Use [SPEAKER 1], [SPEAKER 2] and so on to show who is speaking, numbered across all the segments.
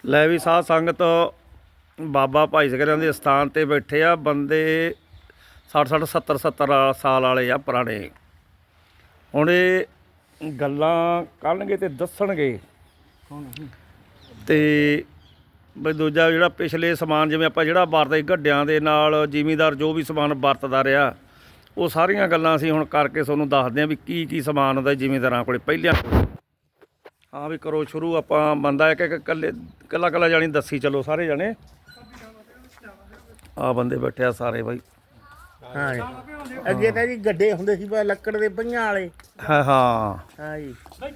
[SPEAKER 1] ਲੈ ਵੀ ਸਾਧ ਸੰਗਤ ਬਾਬਾ ਭਾਈ ਸਿੰਘਾਂ ਦੇ ਸਥਾਨ ਤੇ ਬੈਠੇ ਆ ਬੰਦੇ 60 70 ਸਾਲ ਵਾਲੇ ਆ ਪੁਰਾਣੇ। ਹੁਣ ਇਹ ਗੱਲਾਂ ਕਰਨਗੇ ਤੇ ਦੱਸਣਗੇ ਤੇ ਬਈ ਦੂਜਾ ਜਿਹੜਾ ਪਿਛਲੇ ਸਮਾਨ ਜਿਵੇਂ ਆਪਾਂ ਜਿਹੜਾ ਵਰਤਦੇ ਗੱਡਿਆਂ ਦੇ ਨਾਲ ਜ਼ਿਮੀਂਦਾਰ ਜੋ ਵੀ ਸਮਾਨ ਵਰਤਦਾ ਰਿਹਾ ਉਹ ਸਾਰੀਆਂ ਗੱਲਾਂ ਅਸੀਂ ਹੁਣ ਕਰਕੇ ਤੁਹਾਨੂੰ ਦੱਸਦੇ ਹਾਂ ਵੀ ਕੀ ਸਮਾਨ ਹੁੰਦਾ ਜ਼ਿਮੀਂਦਾਰਾਂ ਕੋਲੇ ਪਹਿਲਿਆਂ। ਹਾਂ ਵੀ ਕਰੋ ਸ਼ੁਰੂ। ਆਪਾਂ ਬੰਦਾ ਇੱਕ ਕੱਲਾ ਜਾਣੀ ਦੱਸੀ ਚਲੋ ਸਾਰੇ ਜਾਣੇ। ਆ ਬੰਦੇ ਬੈਠੇ ਆ ਸਾਰੇ ਬਾਈ।
[SPEAKER 2] ਹਾਂ ਜੀ ਅੱਗੇ ਤਾਂ ਜੀ ਗੱਡੇ ਹੁੰਦੇ ਸੀ ਲੱਕੜ ਦੇ ਪਈਆਂ ਵਾਲੇ।
[SPEAKER 1] ਹਾਂ
[SPEAKER 2] ਜੀ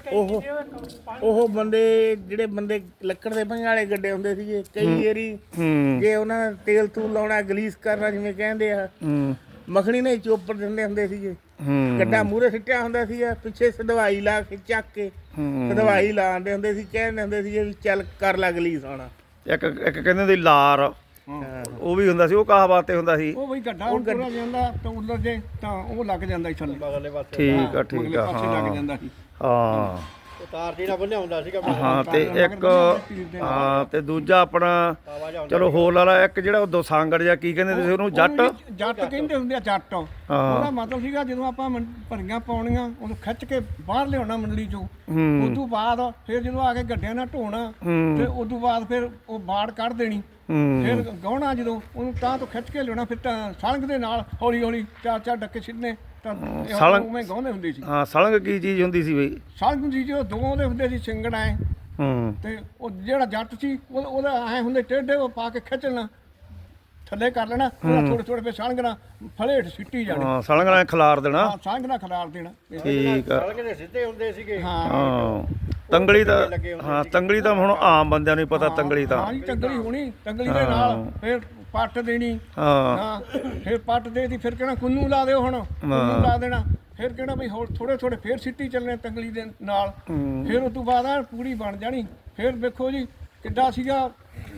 [SPEAKER 2] ਉਹ ਬੰਦੇ ਜਿਹੜੇ ਬੰਦੇ ਲੱਕੜ ਦੇ ਪਈਆਂ ਵਾਲੇ ਗੱਡੇ ਹੁੰਦੇ ਸੀਗੇ ਕਈ ਵਾਰੀ ਜੇ ਉਹਨਾਂ ਤੇਲ ਤੂਲ ਲਾਉਣਾ ਗਲੀਸ ਕਰਨਾ ਜਿਵੇਂ ਕਹਿੰਦੇ ਆ ਮੱਖਣੀ ਨੇ ਚੋਪੜ ਦਿੰਦੇ ਹੁੰਦੇ ਸੀਗੇ। ਗੱਡਾ ਮੂਹਰੇ ਸਿੱਟਿਆ ਹੁੰਦਾ ਸੀ ਪਿੱਛੇ ਸਦਵਾਈ ਲਾ ਕੇ ਚੱਕ ਕੇ ਸਦਵਾਈ ਲਾਉਂਦੇ ਹੁੰਦੇ ਸੀ ਕਹਿੰਦੇ ਹੁੰਦੇ ਸੀ ਵੀ ਚੱਲ ਕਰ ਲਾ ਗਲੀਸ ਆਉਣਾ। ਇੱਕ
[SPEAKER 1] ਕਹਿੰਦੇ ਹੁੰਦੇ ਲਾਰ ਉਹ ਵੀ ਹੁੰਦਾ ਸੀ। ਉਹ ਕਾਹ ਵਾਸਤੇ ਹੁੰਦਾ ਸੀ
[SPEAKER 3] ਉਹ ਬਈ ਗੱਡਾ ਉਹ ਤੁਰਿਆ ਜਾਂਦਾ ਤਾਂ ਉੱਲਰ ਜੇ ਤਾਂ ਉਹ ਲੱਗ ਜਾਂਦਾ ਸੀ ਥੱਲੇ
[SPEAKER 1] ਠੀਕ ਆ
[SPEAKER 3] ਲੱਗ ਜਾਂਦਾ ਸੀ।
[SPEAKER 1] ਹਾਂ
[SPEAKER 2] ਤਾਰ ਜਿਹੜਾ ਬੰਨਿਆ ਹੁੰਦਾ ਸੀਗਾ।
[SPEAKER 1] ਹਾਂ ਤੇ ਇੱਕ ਹਾਂ ਤੇ ਦੂਜਾ ਆਪਣਾ ਚਲੋ ਹੋਰ ਲਾ ਲਾ ਇੱਕ ਜਿਹੜਾ ਉਹ ਦੋਸਾਂਗੜ ਜਾਂ ਕੀ ਕਹਿੰਦੇ ਤੁਸੀਂ ਉਹਨੂੰ ਜੱਟ
[SPEAKER 3] ਕਹਿੰਦੇ ਹੁੰਦੇ ਆ ਜੱਟ। ਉਹਦਾ ਮਤਲਬ ਸੀਗਾ ਜਦੋਂ ਆਪਾਂ ਭਰੀਆਂ ਪਾਉਣੀਆਂ ਉਹਨੂੰ ਖਿੱਚ ਕੇ ਬਾਹਰ ਲਿਆਉਣਾ ਮੰਡਲੀ ਚੋਂ। ਉਦੋਂ ਬਾਅਦ ਫਿਰ ਜਦੋਂ ਆ ਕੇ ਗੱਡਿਆਂ ਨਾਲ ਢੋਣਾ ਤੇ ਉਦੋਂ ਬਾਅਦ ਫਿਰ ਉਹ ਬਾੜ ਕੱਢ ਦੇਣੀ। ਫਿਰ ਗਾਉਣਾ ਜਦੋਂ ਉਹਨੂੰ ਤਾਂ ਤੋਂ ਖਿੱਚ ਕੇ ਲਿਆਉਣਾ ਫਿਰ ਤਾਂ ਸਲੰਗ ਦੇ ਨਾਲ ਹੌਲੀ ਹੌਲੀ ਚਾਰ ਡੱਕੇ ਸਿੱਧਨੇ ਉਵੇਂ ਗਾਉਂਦੇ ਹੁੰਦੇ ਸੀ।
[SPEAKER 1] ਹਾਂ ਸਲੰਗ ਕੀ ਚੀਜ਼ ਹੁੰਦੀ ਸੀ ਬਈ?
[SPEAKER 3] ਸਲੰਗ ਜੀ ਜੋ ਦੋ ਦੇ ਹੁੰਦੇ ਸੀ ਸਿੰਗੜ ਐ ਤੇ ਉਹ ਜਿਹੜਾ ਜੱਟ ਸੀ ਉਹਦਾ ਐ ਹੁੰਦੇ ਟੇਢੇ ਉਹ ਪਾ ਕੇ ਖਿੱਚਣਾ ਥੱਲੇ ਕਰ ਲੈਣਾ ਥੋੜੇ ਥੋੜੇ ਫਿਰ ਸਲੰਗ ਨਾਲ ਫਲੇਟ ਸਿੱਟੀ ਜਾਣੀ।
[SPEAKER 1] ਹਾਂ ਸਲੰਗ ਨਾਲ ਖਿਲਾਰ ਦੇਣਾ।
[SPEAKER 3] ਹਾਂ ਸਲੰਗ ਨਾਲ ਖਿਲਾਰ ਦੇਣਾ।
[SPEAKER 1] ਠੀਕ ਆ।
[SPEAKER 2] ਸਲੰਗ ਦੇ ਸਿੱਧੇ ਹੁੰਦੇ ਸੀਗੇ।
[SPEAKER 1] ਹਾਂ ਤੰਗਲੀ ਤਾਂ ਹਾਂ ਤੰਗਲੀ ਤਾਂ ਹੁਣ ਆਮ ਬੰਦਿਆਂ ਨੂੰ ਹੀ ਪਤਾ ਤੰਗਲੀ ਤਾਂ।
[SPEAKER 3] ਹਾਂ ਜੀ ਤੰਗਲੀ ਹੋਣੀ ਤੰਗਲੀ ਦੇ ਨਾਲ ਫਿਰ ਪੱਟ ਦੇਣੀ। ਹਾਂ ਫਿਰ ਪੱਟ ਦੇਤੀ ਫਿਰ ਕਹਿਣਾ ਕੁੰਨੂ ਲਾ ਦਿਓ ਹੁਣ ਕੁੰਨੂ ਲਾ ਦੇਣਾ। ਫਿਰ ਕਹਿਣਾ ਬਈ ਹੋਰ ਥੋੜੇ ਫਿਰ ਸਿੱਟੀ ਚੱਲਣੇ ਤੰਗਲੀ ਦੇ ਨਾਲ। ਫਿਰ ਉਸ ਤੋਂ ਬਾਅਦ ਪੂਰੀ ਬਣ ਜਾਣੀ। ਫਿਰ ਵੇਖੋ ਜੀ ਕਿੱਡਾ ਸੀਗਾ